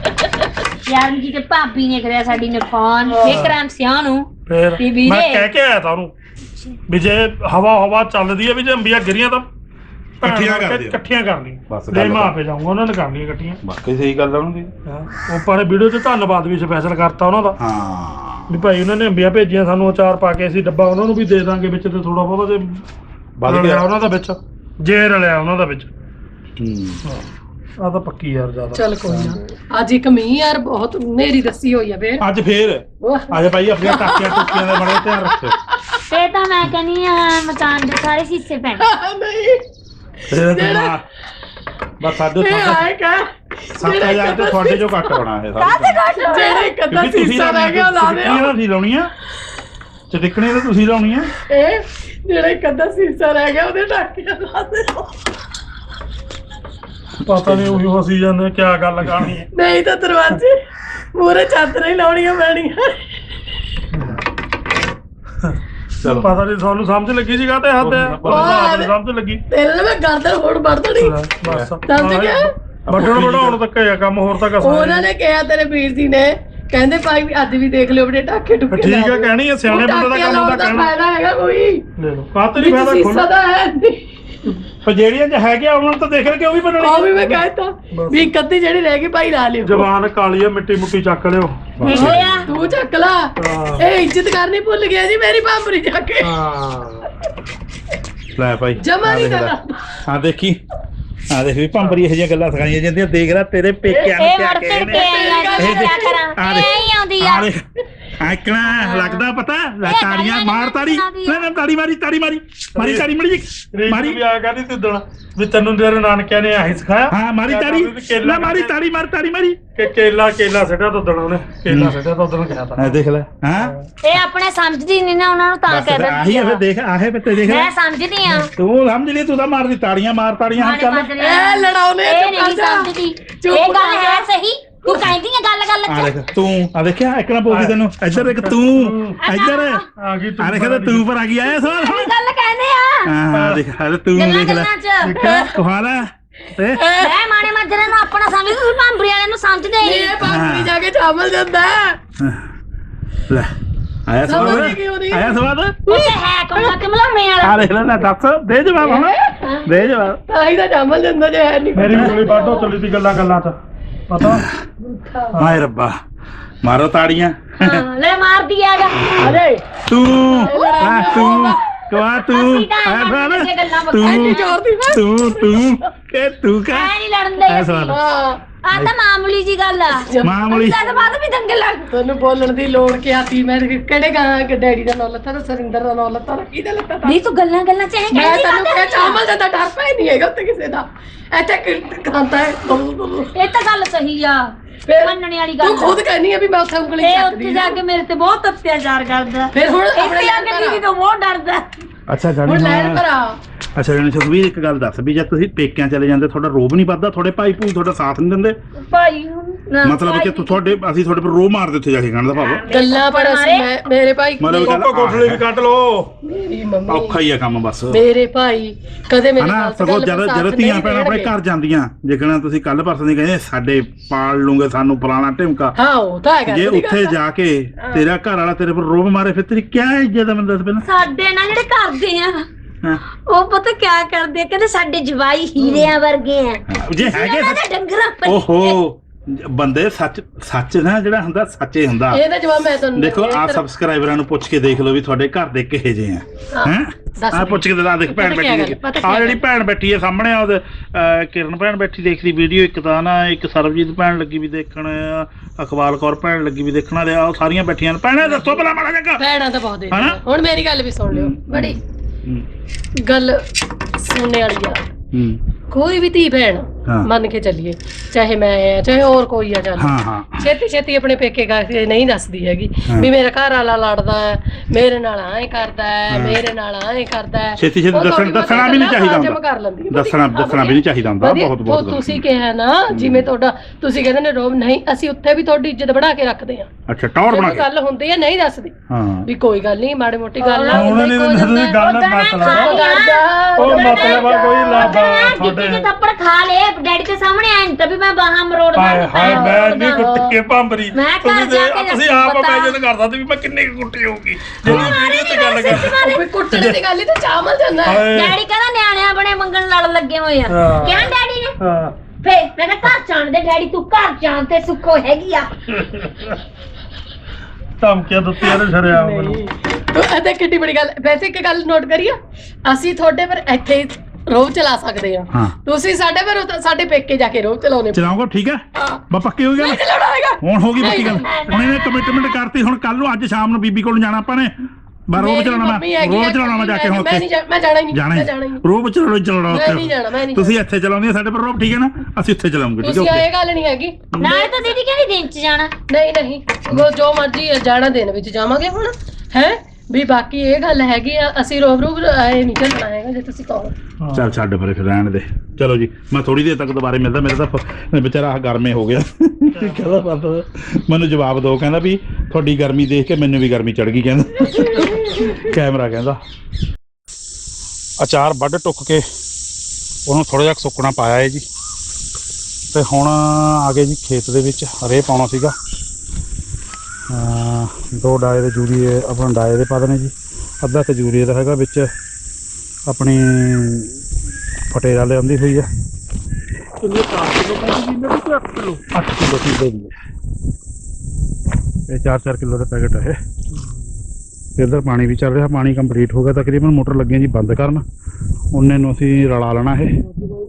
[SPEAKER 3] ਯਾਰ ਜੀ ਤੇ ਭਾਬੀ ਨੇ ਕਰਿਆ ਸਾਡੀ ਨੇ ਫੋਨ ਵਿਕਰਮ ਸਿਆਂ ਨੂੰ।
[SPEAKER 4] ਫੇਰ
[SPEAKER 3] ਵੀ ਵੀਰੇ।
[SPEAKER 4] ਮੈਂ ਕਹਿ ਕੇ ਆਇਆ ਤਾਂ ਉਹਨੂੰ ਵੀ ਜੇ ਹਵਾ ਚੱਲਦੀ ਹੈ ਵੀ ਜੇ ਅੰਬੀਆਂ ਗਿਰੀਆਂ ਤਾਂ
[SPEAKER 1] ਇਕੱਠੀਆਂ ਕਰ ਦਿਓ।
[SPEAKER 4] ਇਕੱਠੀਆਂ ਕਰ ਲਈ
[SPEAKER 1] ਬਸ
[SPEAKER 4] ਦੇ
[SPEAKER 1] ਗੱਲ
[SPEAKER 4] ਮੈਂ ਆਪੇ ਜਾਊਂਗਾ, ਉਹਨਾਂ ਨੇ ਕਰ ਲਈਆਂ ਇਕੱਠੀਆਂ।
[SPEAKER 1] ਬਾਕੀ ਸਹੀ ਗੱਲ ਆ ਉਹਨਾਂ ਦੀ।
[SPEAKER 4] ਉਹ ਪਰ ਵੀਡੀਓ 'ਚ ਧੰਨਵਾਦ ਵੀ ਸਪੈਸ਼ਲ ਕਰਤਾ ਉਹਨਾਂ ਦਾ
[SPEAKER 1] ਹਾਂ
[SPEAKER 4] ਵੀ ਭਾਈ ਉਹਨਾਂ ਨੇ ਅੰਬੀਆਂ ਭੇਜੀਆਂ ਸਾਨੂੰ, ਅਚਾਰ ਪਾ ਕੇ ਅਸੀਂ ਡੱਬਾ ਉਹਨਾਂ ਨੂੰ ਵੀ ਦੇ ਦਾਂਗੇ ਵਿੱਚ, ਤੇ ਥੋੜਾ ਬਹੁਤਾ ਜੇ
[SPEAKER 1] ਵੱਧ
[SPEAKER 4] ਰਲਿਆ
[SPEAKER 1] ਗਿਆ।
[SPEAKER 4] ਉਹਨਾਂ ਦਾ ਵਿੱਚ, ਜੇ ਰਲਿਆ ਉਹਨਾਂ ਦਾ ਵਿੱਚ।
[SPEAKER 1] ਹੂੰ
[SPEAKER 4] ਆ ਤਾਂ ਪੱਕੀ ਯਾਰ ਜ਼ਿਆਦਾ।
[SPEAKER 2] ਚੱਲ ਕੋਈ ਨਾ, ਅੱਜ ਇੱਕ ਮੀਂਹ ਯਾਰ ਬਹੁਤ ਹਨੇਰੀ ਦੱਸੀ ਹੋਈ ਆ ਫੇਰ।
[SPEAKER 1] ਅੱਜ ਫੇਰ ਅੱਜ ਭਾਈ ਆਪਣੀਆਂ ਟਾਕੀਆਂ ਟੁਕੀਆਂ ਦਾ ਬੜਾ ਧਿਆਨ ਰੱਖਿਓ।
[SPEAKER 3] ਤੇ ਤਾਂ ਮੈਂ ਕਹਿੰਦੀ ਆ ਮਕਾਨ ਦੇ ਸਾਰੇ शीशे ਪੈਣੇ।
[SPEAKER 2] ਨਹੀਂ
[SPEAKER 1] ਬਸ ਸਾਡੇ
[SPEAKER 2] ਇਹ ਆਏ ਕਾ
[SPEAKER 1] 7000 ਤੇ ਤੁਹਾਡੇ ਜੋ ਘੱਟ ਹੋਣਾ ਇਹ ਸਾਰਾ।
[SPEAKER 2] ਜਿਹੜੇ ਇੱਕ ਅੱਧਾ ਸੀਸਾ ਰਹਿ ਗਿਆ ਲਾ ਦਿਓ।
[SPEAKER 1] ਤੁਸੀਂ ਲਾਉਣੀਆਂ ਚਟਕਣੇ ਤਾਂ ਤੁਸੀਂ ਲਾਉਣੀਆਂ।
[SPEAKER 2] ਇਹ ਜਿਹੜਾ ਇੱਕ ਅੱਧਾ ਸੀਸਾ ਰਹਿ ਗਿਆ ਉਹਦੇ ਟਾਕੀਆਂ ਲਾ ਦਿਓ।
[SPEAKER 4] ਪਤਾ ਨਹੀਂ ਉਹੀ ਹੱਸੀ ਜਾਂਦੇ ਕਿਆ ਗੱਲ ਕਰਨੀ ਹੈ।
[SPEAKER 2] ਨਹੀਂ ਤਾਂ ਦਰਵਾਜ਼ੇ ਪੂਰੇ ਚਾਦਰਾਂ ਹੀ ਲਾਉਣੀਆਂ ਪੈਣੀਆਂ।
[SPEAKER 1] ਚਲੋ
[SPEAKER 4] ਪਤਾ ਨਹੀਂ ਤੁਹਾਨੂੰ ਸਮਝ ਲੱਗੀ ਸੀਗਾ ਤੇ ਹੱਦ ਹੈ ਸਮਝ ਲੱਗੀ
[SPEAKER 2] ਤੇਰੇ ਨਾਲ ਮੈਂ ਗਰਦਨ ਹੋੜ ਵੜਦਣੀ।
[SPEAKER 4] ਬਸ
[SPEAKER 2] ਸਮਝ ਗਿਆ?
[SPEAKER 4] ਵੱਡਣ ਵਡਾਉਣ ਤੱਕ ਹੈ ਕੰਮ, ਹੋਰ ਤਾਂ ਕਸਾ
[SPEAKER 2] ਉਹਨਾਂ ਨੇ ਕਿਹਾ ਤੇਰੇ ਵੀਰ ਜੀ ਨੇ, ਕਹਿੰਦੇ ਭਾਈ ਵੀ ਅੱਜ ਵੀ ਦੇਖ ਲਿਓ ਆਪਣੇ ਟਾਕੇ ਟੁਕੇ।
[SPEAKER 4] ਠੀਕ ਹੈ, ਕਹਿਣੀ ਹੈ ਸਿਆਣੇ ਬੰਦੇ ਦਾ ਕੰਮ ਹੁੰਦਾ ਕਹਿਣਾ।
[SPEAKER 2] ਫਾਇਦਾ ਹੈਗਾ ਕੋਈ?
[SPEAKER 4] ਲੈ ਲਓ ਕਾਤੇ ਨਹੀਂ ਫਾਇਦਾ
[SPEAKER 2] ਸੀਸਾ ਦਾ ਹੈ ਨਹੀਂ।
[SPEAKER 1] ਪਰ ਜਿਹੜੀਆਂ ਜ ਹੈਗੇ ਉਹਨਾਂ ਨੂੰ ਤਾਂ ਦੇਖ ਲੈ ਕਿ ਉਹ ਵੀ ਬਣਣੀ।
[SPEAKER 2] ਉਹ ਵੀ ਮੈਂ ਕਹਿਤਾ ਵੀ ਇੱਕ ਅੱਧੀ ਜਿਹੜੀ ਰਹਿ ਗਈ ਭਾਈ ਲਾ ਲਿਓ।
[SPEAKER 4] ਜ਼ਬਾਨ ਕਾਲੀ ਆ, ਮਿੱਟੀ ਮੁੱਟੀ ਚੱਕ ਲਿਓ।
[SPEAKER 3] ਦੇਖ ਲਿਆ
[SPEAKER 2] ਤੂੰ ਚੱਕ ਲਾ। ਇਹ ਇੱਜ਼ਤ ਕਰਨੀ ਭੁੱਲ ਗਿਆ ਜੀ ਮੇਰੀ ਭਾਂਬਰੀ ਜਾ ਕੇ।
[SPEAKER 4] ਹਾਂ
[SPEAKER 1] ਲੈ ਭਾਈ
[SPEAKER 2] ਜਮਾ ਨਹੀਂ ਕਰਨਾ।
[SPEAKER 1] ਹਾਂ ਦੇਖੀ ਆ ਦੇਖ ਵੀ ਭੰਬਰੀ ਇਹੋ ਜਿਹੀਆਂ ਗੱਲਾਂ ਸਿਖਾਈਆਂ ਜਾਂਦੀਆਂ। ਦੇਖ ਲੈ ਤੇਰੇ ਪੇਕਿਆਂ ਨੂੰ
[SPEAKER 3] ਇਹ
[SPEAKER 1] ਕਿਆ
[SPEAKER 3] ਵਰਤਣ
[SPEAKER 1] ਕਹਿੰਦੇ
[SPEAKER 3] ਕੇ
[SPEAKER 1] ਨੇ।
[SPEAKER 3] ਆਈਆਂ ਜੀ ਕਿਆ ਕਰਾਂ, ਇਹ ਹੀ ਆਉਂਦੀ ਆ।
[SPEAKER 1] ਆਕਣਾ ਲੱਗਦਾ ਪਤਾ ਲੈ ਤਾੜੀਆਂ ਮਾਰ ਤਾੜੀ ਨਾ ਤਾੜੀ ਮਾਰੀ ਤਾੜੀ ਮਾਰੀ ਮਾਰੀ ਤਾੜੀ ਮੜੀ
[SPEAKER 4] ਮਾਰੀ
[SPEAKER 1] ਮਾਰੀ
[SPEAKER 4] ਵੀ ਆ ਕਹਿੰਦੀ ਤੂੰ ਦਣਾ ਵੀ ਤੈਨੂੰ ਤੇਰੇ ਨਾਨਕਿਆਂ ਨੇ ਆਹੀ ਸਿਖਾਇਆ।
[SPEAKER 1] ਹਾਂ ਮਾਰੀ ਤਾੜੀ ਨਾ ਮਾਰੀ ਤਾੜੀ ਮਾਰ ਤਾੜੀ ਮਾਰੀ
[SPEAKER 4] ਕਿ ਕੇਲਾ ਸਿੱਟਿਆ ਤਾਂ ਦਣਾ ਉਹਨੇ, ਕੇਲਾ ਸਿੱਟਿਆ ਤਾਂ ਉਦੋਂ ਕਿਹਾ ਤਾਂ।
[SPEAKER 1] ਆ ਦੇਖ ਲੈ ਹਾਂ
[SPEAKER 3] ਇਹ ਆਪਣੇ ਸਮਝਦੀ ਨਹੀਂ ਨਾ, ਉਹਨਾਂ ਨੂੰ ਤਾਂ ਕਹਿ
[SPEAKER 1] ਆਹੀ
[SPEAKER 3] ਦਿੰਦੀ
[SPEAKER 1] ਆ
[SPEAKER 3] ਆ।
[SPEAKER 1] ਫਿਰ ਦੇਖ ਆਹੇ ਬੱਤੇ ਦੇਖ ਲੈ
[SPEAKER 3] ਮੈਂ ਸਮਝਦੀ ਆ।
[SPEAKER 1] ਤੂੰ ਸਮਝ ਲਈ, ਤੂੰ ਤਾਂ ਮਾਰਦੀ ਤਾੜੀਆਂ ਮਾਰ ਤਾੜੀਆਂ ਹਾਂ ਚੱਲ।
[SPEAKER 2] ਇਹ ਲੜਾਉਨੇ
[SPEAKER 3] ਇਹ ਨਹੀਂ ਸਮਝਦੀ। ਇਹ ਗੱਲ ਹੈ ਸਹੀ, ਤੂੰ ਕਹਿੰਦੀ ਆ ਗੱਲ
[SPEAKER 1] ਆ
[SPEAKER 3] ਚ।
[SPEAKER 1] ਦੇਖ ਤੂੰ ਆ ਦੇਖਿਆ ਇੱਕ ਨਾ ਬੋਲਦੀ ਤੈਨੂੰ ਇੱਧਰ ਦੇਖ ਤੂੰ ਇੱਧਰ
[SPEAKER 4] ਆ ਗਈ
[SPEAKER 1] ਆ ਦੇਖ ਤੂੰ ਪਰ ਆ ਗਈ ਆਇਆ ਸਵਾਲ
[SPEAKER 3] ਇਹ ਗੱਲ ਕਹਿੰਦੇ ਆ
[SPEAKER 1] ਹਾਂ ਦੇਖ ਤੂੰ
[SPEAKER 3] ਗੱਲਾਂ
[SPEAKER 1] ਦੇਖ ਲੈ
[SPEAKER 3] ਗੱਲਾਂ ਚ।
[SPEAKER 1] ਕਹਾਲਾ ਤੇ
[SPEAKER 3] ਮੈਂ ਮਾਣੇ ਮਾਜਰੇ ਨੂੰ ਆਪਣਾ ਸਮਝ ਤੁਸੀਂ ਭਾਂਬਰੀ ਵਾਲਿਆਂ ਨੂੰ ਸਮਝਦੇ ਹੀ
[SPEAKER 2] ਇਹ ਬਾਪਰੀ ਜਾ ਕੇ ਚਾਵਲ ਜਾਂਦਾ
[SPEAKER 1] ਲੈ ਆਇਆ
[SPEAKER 2] ਸਮਝ
[SPEAKER 1] ਸਵਾਦ
[SPEAKER 2] ਗਈ ਉਹਦੀ।
[SPEAKER 1] ਆਇਆ ਸਵਾਦ
[SPEAKER 3] ਉੱਥੇ ਹੈ ਕੌਣ ਕਿ ਮਲਾਉਣੇ ਵਾਲਾ
[SPEAKER 1] ਆ ਦੇਖ ਲੈ ਦੱਸ ਦੇ ਜਵਾਬ ਹੁਣ ਦੇ ਜਵਾਬ
[SPEAKER 2] ਤਾਂ ਹੀ ਤਾਂ ਚਾਵਲ ਜਾਂਦਾ ਜੇ ਹੈ ਨਹੀਂ
[SPEAKER 4] ਮੇਰੀ ਉਂਗਲੀ ਵੱਢੋ ਚੱਲੀ ਦੀ ਗੱਲਾਂ ਗੱਲਾਂ 'ਚ ਪਤਾ
[SPEAKER 1] ਹਾਏ ਰੱਬਾ ਮਾਰੋ ਤਾੜੀਆਂ
[SPEAKER 3] ਹਾਂ ਲੈ ਮਾਰਦੀ ਆਗਾ
[SPEAKER 2] ਅਰੇ
[SPEAKER 1] ਤੂੰ ਕਵਾ ਤੂੰ
[SPEAKER 3] ਅਸੀਂ ਤਾਂ
[SPEAKER 1] ਆਇਆ ਸਵਾਦ
[SPEAKER 3] ਇਹ ਗੱਲਾਂ
[SPEAKER 2] ਐਨੀ ਜ਼ੋਰ ਦੀ ਨਾ
[SPEAKER 1] ਤੂੰ ਕਾ
[SPEAKER 3] ਐ ਨਹੀਂ ਲੜਨ
[SPEAKER 1] ਆਇਆ
[SPEAKER 3] ਦੇ
[SPEAKER 1] ਸਵਾਦ
[SPEAKER 2] ਹਾਂ
[SPEAKER 3] ਆ ਤਾਂ ਮਾਮੂਲੀ ਜੀ ਗੱਲ ਆ
[SPEAKER 1] ਮਾਮੂਲੀ
[SPEAKER 3] ਤਾਂ ਬਾਅਦ ਵੀ ਦੰਗੇ ਲੜ
[SPEAKER 2] ਤੁਹਾਨੂੰ ਬੋਲਣ ਦੀ ਲੋੜ ਕੀ ਆਤੀ ਮੈਂ ਕਿਹੜੇ ਗਾਂ ਕਿ ਡੈਡੀ ਦਾ ਨਾਂ ਲੱਤਾ ਤੇ ਸਰਿੰਦਰ ਦਾ ਨਾਂ ਲੱਤਾ ਕਿਹਦਾ ਲੱਤਾ ਤਾ?
[SPEAKER 3] ਨਹੀਂ ਤੂੰ ਗੱਲਾਂ ਗੱਲਾਂ ਚ ਐਂ
[SPEAKER 2] ਮੈਂ
[SPEAKER 3] ਕਹਿੰਦੀ
[SPEAKER 2] ਤੈਨੂੰ
[SPEAKER 3] ਕਾਹਤੇ
[SPEAKER 2] ਕਿਹਾ ਚਾਵਲ ਜਾਂਦਾ ਡਰ ਪੈ ਨਹੀਂ ਹੈਗਾ ਉੱਤੇ ਕਿਸੇ ਦਾ ਇੱਥੇ ਖਾਂਦਾ ਹੈ
[SPEAKER 3] ਇਹ ਤਾਂ ਗੱਲ ਸਹੀ ਆ
[SPEAKER 2] ਫਿਰ
[SPEAKER 3] ਮੰਨਣੇ ਵਾਲੀ ਗੱਲ
[SPEAKER 2] ਤੂੰ ਖੁਦ ਕਹਿੰਦੀ ਆ ਵੀ ਮੈਂ ਉੱਥੇ ਉਂਗਲੀ
[SPEAKER 3] ਇਹ
[SPEAKER 2] ਚੱਕਦੀ
[SPEAKER 3] ਉੱਥੇ ਜਾ ਕੇ ਮੇਰੇ ਤੇ ਬਹੁਤ ਅਤਿਆਚਾਰ ਕਰਦਾ
[SPEAKER 2] ਫਿਰ ਹੁਣ
[SPEAKER 3] ਇੱਥੇ
[SPEAKER 2] ਆਪਣੇ
[SPEAKER 3] ਆ ਕੇ ਦੀਦੀ ਤੋਂ ਬਹੁਤ ਡਰਦਾ
[SPEAKER 1] ਅੱਛਾ
[SPEAKER 2] ਹੁਣ ਲੈਣ ਭਰਾ
[SPEAKER 1] ਅੱਛਾ ਜਣੀ ਸੁਖਵੀਰ ਇੱਕ ਗੱਲ ਦੱਸ ਵੀ ਜਦ ਤੁਸੀਂ ਪੇਕਿਆਂ ਚਲੇ ਜਾਂਦੇ ਤੁਹਾਡਾ ਰੋਬ ਨਹੀਂ ਵੱਧਦਾ ਤੁਹਾਡੇ ਭਾਈ ਭੂਈ ਤੁਹਾਡਾ ਸਾਥ ਨਹੀਂ ਦਿੰਦੇ
[SPEAKER 3] ਭਾਈ
[SPEAKER 1] ਮਤਲਬ ਕਿ ਅਸੀਂ ਤੁਹਾਡੇ ਪਰ ਰੋਬ ਮਾਰਦੇ ਉੱਥੇ ਜਾ ਕੇ ਕਹਿਣ ਦਾ ਭਾਵ
[SPEAKER 2] ਗੱਲਾਂ ਪਰ ਅਸੀਂ ਮੇਰੇ ਭਾਈ
[SPEAKER 1] ਮਤਲਬ ਗੱਲ
[SPEAKER 4] ਕੋਠੜੀ ਵੀ ਕੱਢ ਲੋ
[SPEAKER 2] ਮੇਰੀ ਮੰਮੀ
[SPEAKER 1] ਔਖਾ ਹੀ ਆ ਕੰਮ ਬਸ
[SPEAKER 2] ਮੇਰੇ ਭਾਈ ਕਦੇ ਮੇਰੀ
[SPEAKER 1] ਹਨਾ
[SPEAKER 2] ਗੱਲ
[SPEAKER 1] ਸਗੋਂ ਜਦ ਧੀਆਂ ਭੈਣਾਂ ਆਪਣੇ ਘਰ ਜਾਂਦੀਆਂ ਜਿਕਣਾ ਤੁਸੀਂ ਕੱਲ ਪਰਸੋਂ ਦੀ ਕਹਿੰਦੇ ਸਾਡੇ ਪਾਲ ਲੂਗੇ ਸਾਨੂੰ ਪੁਰਾਣਾ ਢਿਮਕਾ
[SPEAKER 2] ਹਾਂ ਉਹ ਤਾਂ ਹੈਗਾ
[SPEAKER 1] ਜੇ ਉੱਥੇ ਜਾ ਕੇ ਤੇਰਾ ਘਰ ਵਾਲਾ ਤੇਰੇ ਪਰ ਰੋਬ ਮਾਰੇ ਫਿਰ ਤੇਰੀ ਕਿਆ ਇੱਜ਼ਤ ਆ ਮੈਨੂੰ ਦੱਸ ਪਹਿਲਾਂ
[SPEAKER 3] ਸਾਡੇ ਨਾਲ ਜਿਹੜੇ ਕਰਦੇ ਆ
[SPEAKER 1] ਹਾਂ
[SPEAKER 3] ਉਹ ਪਤਾ ਕਿਆ ਕਰਦੇ ਆ ਕਹਿੰਦੇ ਸਾਡੇ ਜਵਾਈ ਹੀਰਿਆਂ ਵਰਗੇ ਆ
[SPEAKER 1] ਜੇ ਹੈਗੇ
[SPEAKER 3] ਉਹਨਾਂ ਦੇ ਡੰਗਰਾਂ ਪਰ
[SPEAKER 1] ਓਹੋ ਬੰਦੇ ਸੱਚ ਨਾ ਜਿਹੜਾ ਹੁੰਦਾ ਸੱਚੇ ਹੁੰਦਾ
[SPEAKER 2] ਇਹਦਾ ਜਵਾਬ ਮੈਂ ਤੁਹਾਨੂੰ
[SPEAKER 1] ਦੇਖੋ ਆ ਸਬਸਕ੍ਰਾਈਬਰਾਂ ਨੂੰ ਪੁੱਛ ਕੇ ਦੇਖ ਲਓ ਵੀ ਤੁਹਾਡੇ ਘਰ ਦੇ ਕਿਹੇ ਜੇ ਆ ਹੈ ਆ ਪੁੱਛ ਕੇ ਤਾਂ ਦੇਖ ਭੈਣ ਬੈਠੀ ਆ ਜਿਹੜੀ ਭੈਣ ਬੈਠੀ ਹੈ ਸਾਹਮਣੇ ਆ ਉਹਦੇ ਕਿਰਨ ਭੈਣ ਬੈਠੀ ਦੇਖਦੀ ਵੀਡੀਓ ਇੱਕ ਤਾਂ ਨਾ ਇੱਕ ਸਰਬਜੀਤ ਭੈਣ ਲੱਗੀ ਵੀ ਦੇਖਣ ਅਕਬਾਲ ਕੌਰ ਭੈਣ ਲੱਗੀ ਵੀ ਦੇਖਣਾ ਤੇ ਆ ਸਾਰੀਆਂ ਬੈਠੀਆਂ ਨੇ ਭੈਣੇ ਦੱਸੋ ਭਲਾ ਮਾੜਾ ਜੱਗਾ
[SPEAKER 2] ਭੈਣਾਂ ਤਾਂ ਬਹੁਤ ਦੇਖਦੀਆਂ ਹੁਣ ਮੇਰੀ ਗੱਲ ਵੀ ਸੁਣ ਲਿਓ ਬੜੀ ਗੱਲ ਸੁਣਨੇ ਵਾਲੀ ਆ ਕੋਈ ਵੀ ਧੀ ਭੈਣ ਮੰਨ ਕੇ ਚੱਲੀਏ ਚਾਹੇ ਮੈਂ ਆ ਚਾਹੇ ਹੋਰ ਕੋਈ ਆ ਚੱਲ ਛੇਤੀ ਛੇਤੀ ਆਪਣੇ ਪੇਕੇ ਕਰਕੇ ਨਹੀਂ ਦੱਸਦੀ ਹੈਗੀ ਵੀ ਮੇਰਾ ਘਰ ਵਾਲਾ ਲੜਦਾ ਹੈ ਮੇਰੇ ਨਾਲ ਐਂ ਕਰਦਾ ਹੈ ਮੇਰੇ ਨਾਲ ਐਂ ਕਰਦਾ ਹੈ
[SPEAKER 1] ਛੇਤੀ ਦੱਸਣਾ ਵੀ ਨਹੀਂ ਚਾਹੀਦਾ ਦੱਸਣਾ ਵੀ ਨਹੀਂ ਚਾਹੀਦਾ ਹੁੰਦਾ ਬਹੁਤ ਬਹੁਤ
[SPEAKER 2] ਤੁਸੀਂ ਕਿਹਾ ਨਾ ਜਿਵੇਂ ਤੁਹਾਡਾ ਤੁਸੀਂ ਕਹਿੰਦੇ ਨੇ ਰੋਬ ਨਹੀਂ ਅਸੀਂ ਉੱਥੇ ਵੀ ਤੁਹਾਡੀ ਇੱਜ਼ਤ ਬਣਾ ਕੇ ਰੱਖਦੇ ਆ
[SPEAKER 1] ਅੱਛਾ ਟੌਰ ਬਣਾ ਕੇ
[SPEAKER 2] ਗੱਲ ਹੁੰਦੀ ਹੈ ਨਹੀਂ ਦੱਸਦੀ ਵੀ ਕੋਈ ਗੱਲ ਨਹੀਂ ਮਾੜੀ ਮੋਟੀ ਗੱਲ ਆ
[SPEAKER 4] ਉਹਨਾਂ ਨੇ ਗੱਲ ਮਤਲਬ ਕੋਈ ਲਾਭਾ
[SPEAKER 3] ਤੁਹਾਡੇ ਜੇ ਥੱਪੜ ਖਾ ਲੇ ਡੈਡੀ ਦੇ ਸਾਹਮਣੇ ਆਂ ਤਾਂ ਵੀ ਮੈਂ ਬਾਹਾਂ ਮਰੋੜਦਾ
[SPEAKER 4] ਹਾਏ ਮੈਂ ਨਹੀਂ ਕੁੱਟ ਕੇ ਭਾਂਬਰੀ
[SPEAKER 3] ਮੈਂ ਘਰ ਜਾ ਕੇ
[SPEAKER 4] ਤੁਸੀਂ ਆਪ ਇਮੇਜਿਨ ਕਰ ਸਕਦੇ ਵੀ ਮੈਂ ਕਿੰਨੀ ਕੁੱਟੀ ਹੋਊਗੀ ਜਿਹੜੀ ਵੀਡੀਓ ਤੇ ਗੱਲ ਕਰ
[SPEAKER 2] ਕੋਈ ਕੁੱਟਣੇ ਦੀ ਗੱਲ ਹੀ ਤਾਂ ਚਾਵਲ ਜਾਂਦਾ
[SPEAKER 3] ਡੈਡੀ ਕਹਿੰਦਾ ਨਿਆਣਿਆਂ ਬਣੇ ਮੰਗਣ ਲੜ ਲੱਗੇ ਹੋਏ ਆ ਕਿਹਾ ਡੈਡੀ ਨੇ ਫੇ ਮੈਂ ਘਰ ਜਾਣਦੇ ਡੈਡੀ ਤੂੰ ਘਰ ਜਾਣ ਤੇ ਸੁੱਖੋ ਹੈਗੀ ਆ
[SPEAKER 4] ਧਮਕੀਆਂ ਦਿੱਤੀਆਂ ਨੇ ਸ਼ਰਿਆ ਮੈਨੂੰ
[SPEAKER 2] ਤੂੰ ਇਹਦੇ ਕਿੱਡੀ ਬੜੀ ਗੱਲ ਵੈਸੇ ਇੱਕ ਗੱਲ ਨੋਟ ਕਰੀਏ ਅਸੀਂ ਤੁਹਾਡੇ ਪਰ ਇੱਥੇ ਰੋਹ ਚਲਾ ਸਕਦੇ ਆ ਤੁਸੀਂ ਸਾਡੇ ਪਰ ਸਾਡੇ ਪੇਕੇ ਜਾ ਕੇ ਰੋਹ ਚਲਾਉਨੇ
[SPEAKER 1] ਚਲਾਉਂਗਾ ਠੀਕ ਹੈ ਬਾ ਪੱਕੀ ਹੋ ਗਈ ਹੁਣ ਹੋ ਗਈ ਪੱਕੀ ਗੱਲ ਹੁਣ ਇਹਨੇ ਕਮਿਟਮੈਂਟ ਕਰਤੀ ਹੁਣ ਕੱਲ ਨੂੰ ਅੱਜ ਸ਼ਾਮ ਨੂੰ ਬੀਬੀ ਕੋਲ ਜਾਣਾ ਆਪਾਂ ਨੇ ਰੋਬ ਚਲਾਉਣਾ ਮੈਂ ਜਾ ਕੇ ਹੁਣ ਉੱਥੇ
[SPEAKER 2] ਮੈਂ ਜਾਣਾ ਹੀ
[SPEAKER 1] ਜਾਣਾ ਰੋਬ ਚਲਾਉਣਾ ਉੱਥੇ ਤੁਸੀਂ ਇੱਥੇ ਚਲਾਉਂਦੇ ਸਾਡੇ ਪਰ ਰੋਬ ਠੀਕ ਹੈ ਨਾ ਅਸੀਂ ਉੱਥੇ ਚਲਾਉਂਗੇ ਠੀਕ
[SPEAKER 2] ਤੁਸੀਂ ਇਹ ਗੱਲ ਨਹੀਂ ਹੈਗੀ
[SPEAKER 3] ਨਾਲੇ ਤਾਂ ਦੀਦੀ ਕਹਿੰਦੀ ਦਿਨ ਚ ਜਾਣਾ
[SPEAKER 2] ਨਹੀਂ ਉਹ ਜੋ ਮਰਜੀ ਜਾਣਾ ਦਿਨ ਵਿੱਚ ਜਾਵਾਂਗੇ ਹੁਣ ਹੈ ਵੀ ਬਾਕੀ ਇਹ ਗੱਲ ਹੈਗੀ ਆ ਅਸੀਂ ਰੋਬ ਇਹ ਨਹੀਂ ਚੱਲਣਾ ਹੈਗਾ ਜੇ ਤੁਸੀਂ ਕਹੋ
[SPEAKER 1] ਚੱਲ ਛੱਡ ਪਰੇ ਫਿਰ ਰਹਿਣ ਦੇ ਚਲੋ ਜੀ ਮੈਂ ਥੋੜੀ ਦੇਰ ਤੱਕ ਦੁਬਾਰੇ ਮਿਲਦਾ ਮੇਰੇ ਤਾਂ ਵਿਚਾਰਾ ਗਰਮੇ ਹੋ ਗਿਆ ਕਹਿੰਦਾ ਮੈਨੂੰ ਜਵਾਬ ਦਿਓ ਕਹਿੰਦਾ ਵੀ ਤੁਹਾਡੀ ਗਰਮੀ ਦੇਖ ਕੇ ਮੈਨੂੰ ਵੀ ਗਰਮੀ ਚੜ ਗਈ ਕਹਿੰਦਾ ਕੈਮਰਾ ਕਹਿੰਦਾ ਅਚਾਰ ਵੱਢ ਟੁੱਕ ਕੇ ਉਹਨੂੰ ਥੋੜਾ ਜਿਹਾ ਸੁੱਕਣਾ ਪਾਇਆ ਹੈ ਜੀ ਤੇ ਹੁਣ ਆ ਗਏ ਜੀ ਖੇਤ ਦੇ ਵਿੱਚ ਰੇ ਪਾਉਣਾ ਸੀਗਾ 2 ਡਾਏ ਦੇ ਜੂਰੀ ਆਪਣਾ ਡਾਏ ਦੇ ਪਾ ਦੇਣੇ ਜੀ ਅੱਧਾ ਤੇ ਜੂਰੀ ਦਾ ਹੈਗਾ ਵਿੱਚ ਆਪਣੀ ਫਟੇਰਾ ਲਿਆਂਦੀ ਹੋਈ ਆ 8 ਕਿਲੋ ਦੀ ਇਹ 4 ਕਿਲੋ ਦਾ ਪੈਕਟ ਹੈ ਇੱਧਰ ਪਾਣੀ ਵੀ ਚੱਲ ਰਿਹਾ ਪਾਣੀ ਕੰਪਲੀਟ ਹੋ ਗਿਆ ਤਕਰੀਬਨ ਮੋਟਰ ਲੱਗੀਆਂ ਜੀ ਬੰਦ ਕਰਨ ਉਹਨੇ ਨੂੰ ਅਸੀਂ ਰਲਾ ਲੈਣਾ ਇਹ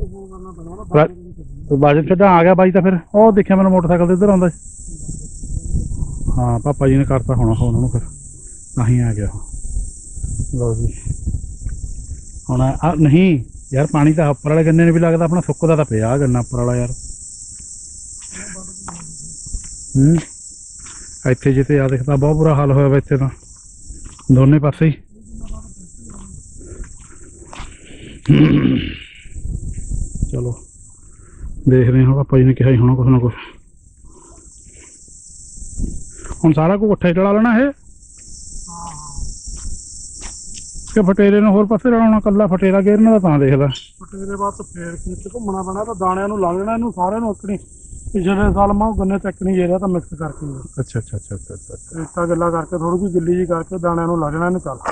[SPEAKER 1] ਬਾਜਨ ਛੱਡਾ ਆ ਗਿਆ ਬਾਈ ਤਾਂ ਫਿਰ ਉਹ ਦੇਖਿਆ ਮੈਨੂੰ ਮੋਟਰਸਾਈਕਲ ਤੇ ਇੱਧਰ ਆਉਂਦਾ ਹਾਂ ਪਾਪਾ ਜੀ ਨੇ ਕਰਤਾ ਹੋਣਾ ਉਹਨਾਂ ਨੂੰ ਫਿਰ ਤਾਂ ਹੀ ਆ ਗਿਆ ਲਓ ਜੀ ਹੁਣ ਨਹੀਂ ਯਾਰ ਪਾਣੀ ਤਾਂ ਉੱਪਰ ਵਾਲੇ ਗੰਨੇ ਨੂੰ ਵੀ ਲੱਗਦਾ ਆਪਣਾ ਸੁੱਕਦਾ ਤਾਂ ਪਿਆ ਗੰਨਾ ਉੱਪਰ ਵਾਲਾ ਯਾਰ ਇੱਥੇ ਜਿੱਤੇ ਆ ਦੇਖਦਾ ਬਹੁਤ ਬੁਰਾ ਹਾਲ ਹੋਇਆ ਵਾ ਇੱਥੇ ਤਾਂ ਦੋਨੇ ਪਾਸੇ ਹੀ ਚਲੋ ਦੇਖਦੇ ਹਾਂ ਪਾਪਾ ਜੀ ਨੇ ਕਿਹਾ ਹੀ ਹੋਣਾ ਕੁਛ ਨਾ ਕੁਛ ਹੁਣ ਸਾਰਾ ਕੁਝ ਇਕੱਠਾ ਹੀ ਚਲਾ ਲੈਣਾ ਇਹ ਕਿ ਫਟੇਰੇ ਨੂੰ ਹੋਰ ਪਾਸੇ ਲਾਉਣਾ, ਕੱਲਾ ਫਟੇਰਾ ਗੇਰਨਾ ਦਾ ਤਾਂ ਦੇਖ ਲੈ।
[SPEAKER 4] ਫਟੇਰੇ ਬਾਅਦ ਫੇਰ ਖੇਤ ਘੁੰਮਣਾ ਪੈਣਾ ਤਾਂ ਦਾਣਿਆਂ ਨੂੰ ਲੱਗ ਜਾਣਾ ਇਹਨੂੰ ਸਾਰਿਆਂ ਨੂੰ ਉੱਕਣੀ। ਪਿਛਲੇ ਸਾਲ ਮੈਂ ਗੰਨੇ ਚੱਕ ਨਹੀਂ ਗਿਆ ਤਾਂ ਮਿਕਸ ਕਰਕੇ
[SPEAKER 1] ਅੱਛਾ ਅੱਛਾ ਅੱਛਾ ਅੱਛਾ ਅੱਛਾ।
[SPEAKER 4] ਰੇਤਾ ਗਿੱਲਾ ਕਰਕੇ ਥੋੜੀ ਜਿਹੀ ਗਿੱਲੀ ਜੀ ਕਰਕੇ ਦਾਣਿਆਂ ਨੂੰ ਲੱਗ ਜਾਣਾ ਇਹਨੂੰ ਚੱਲ।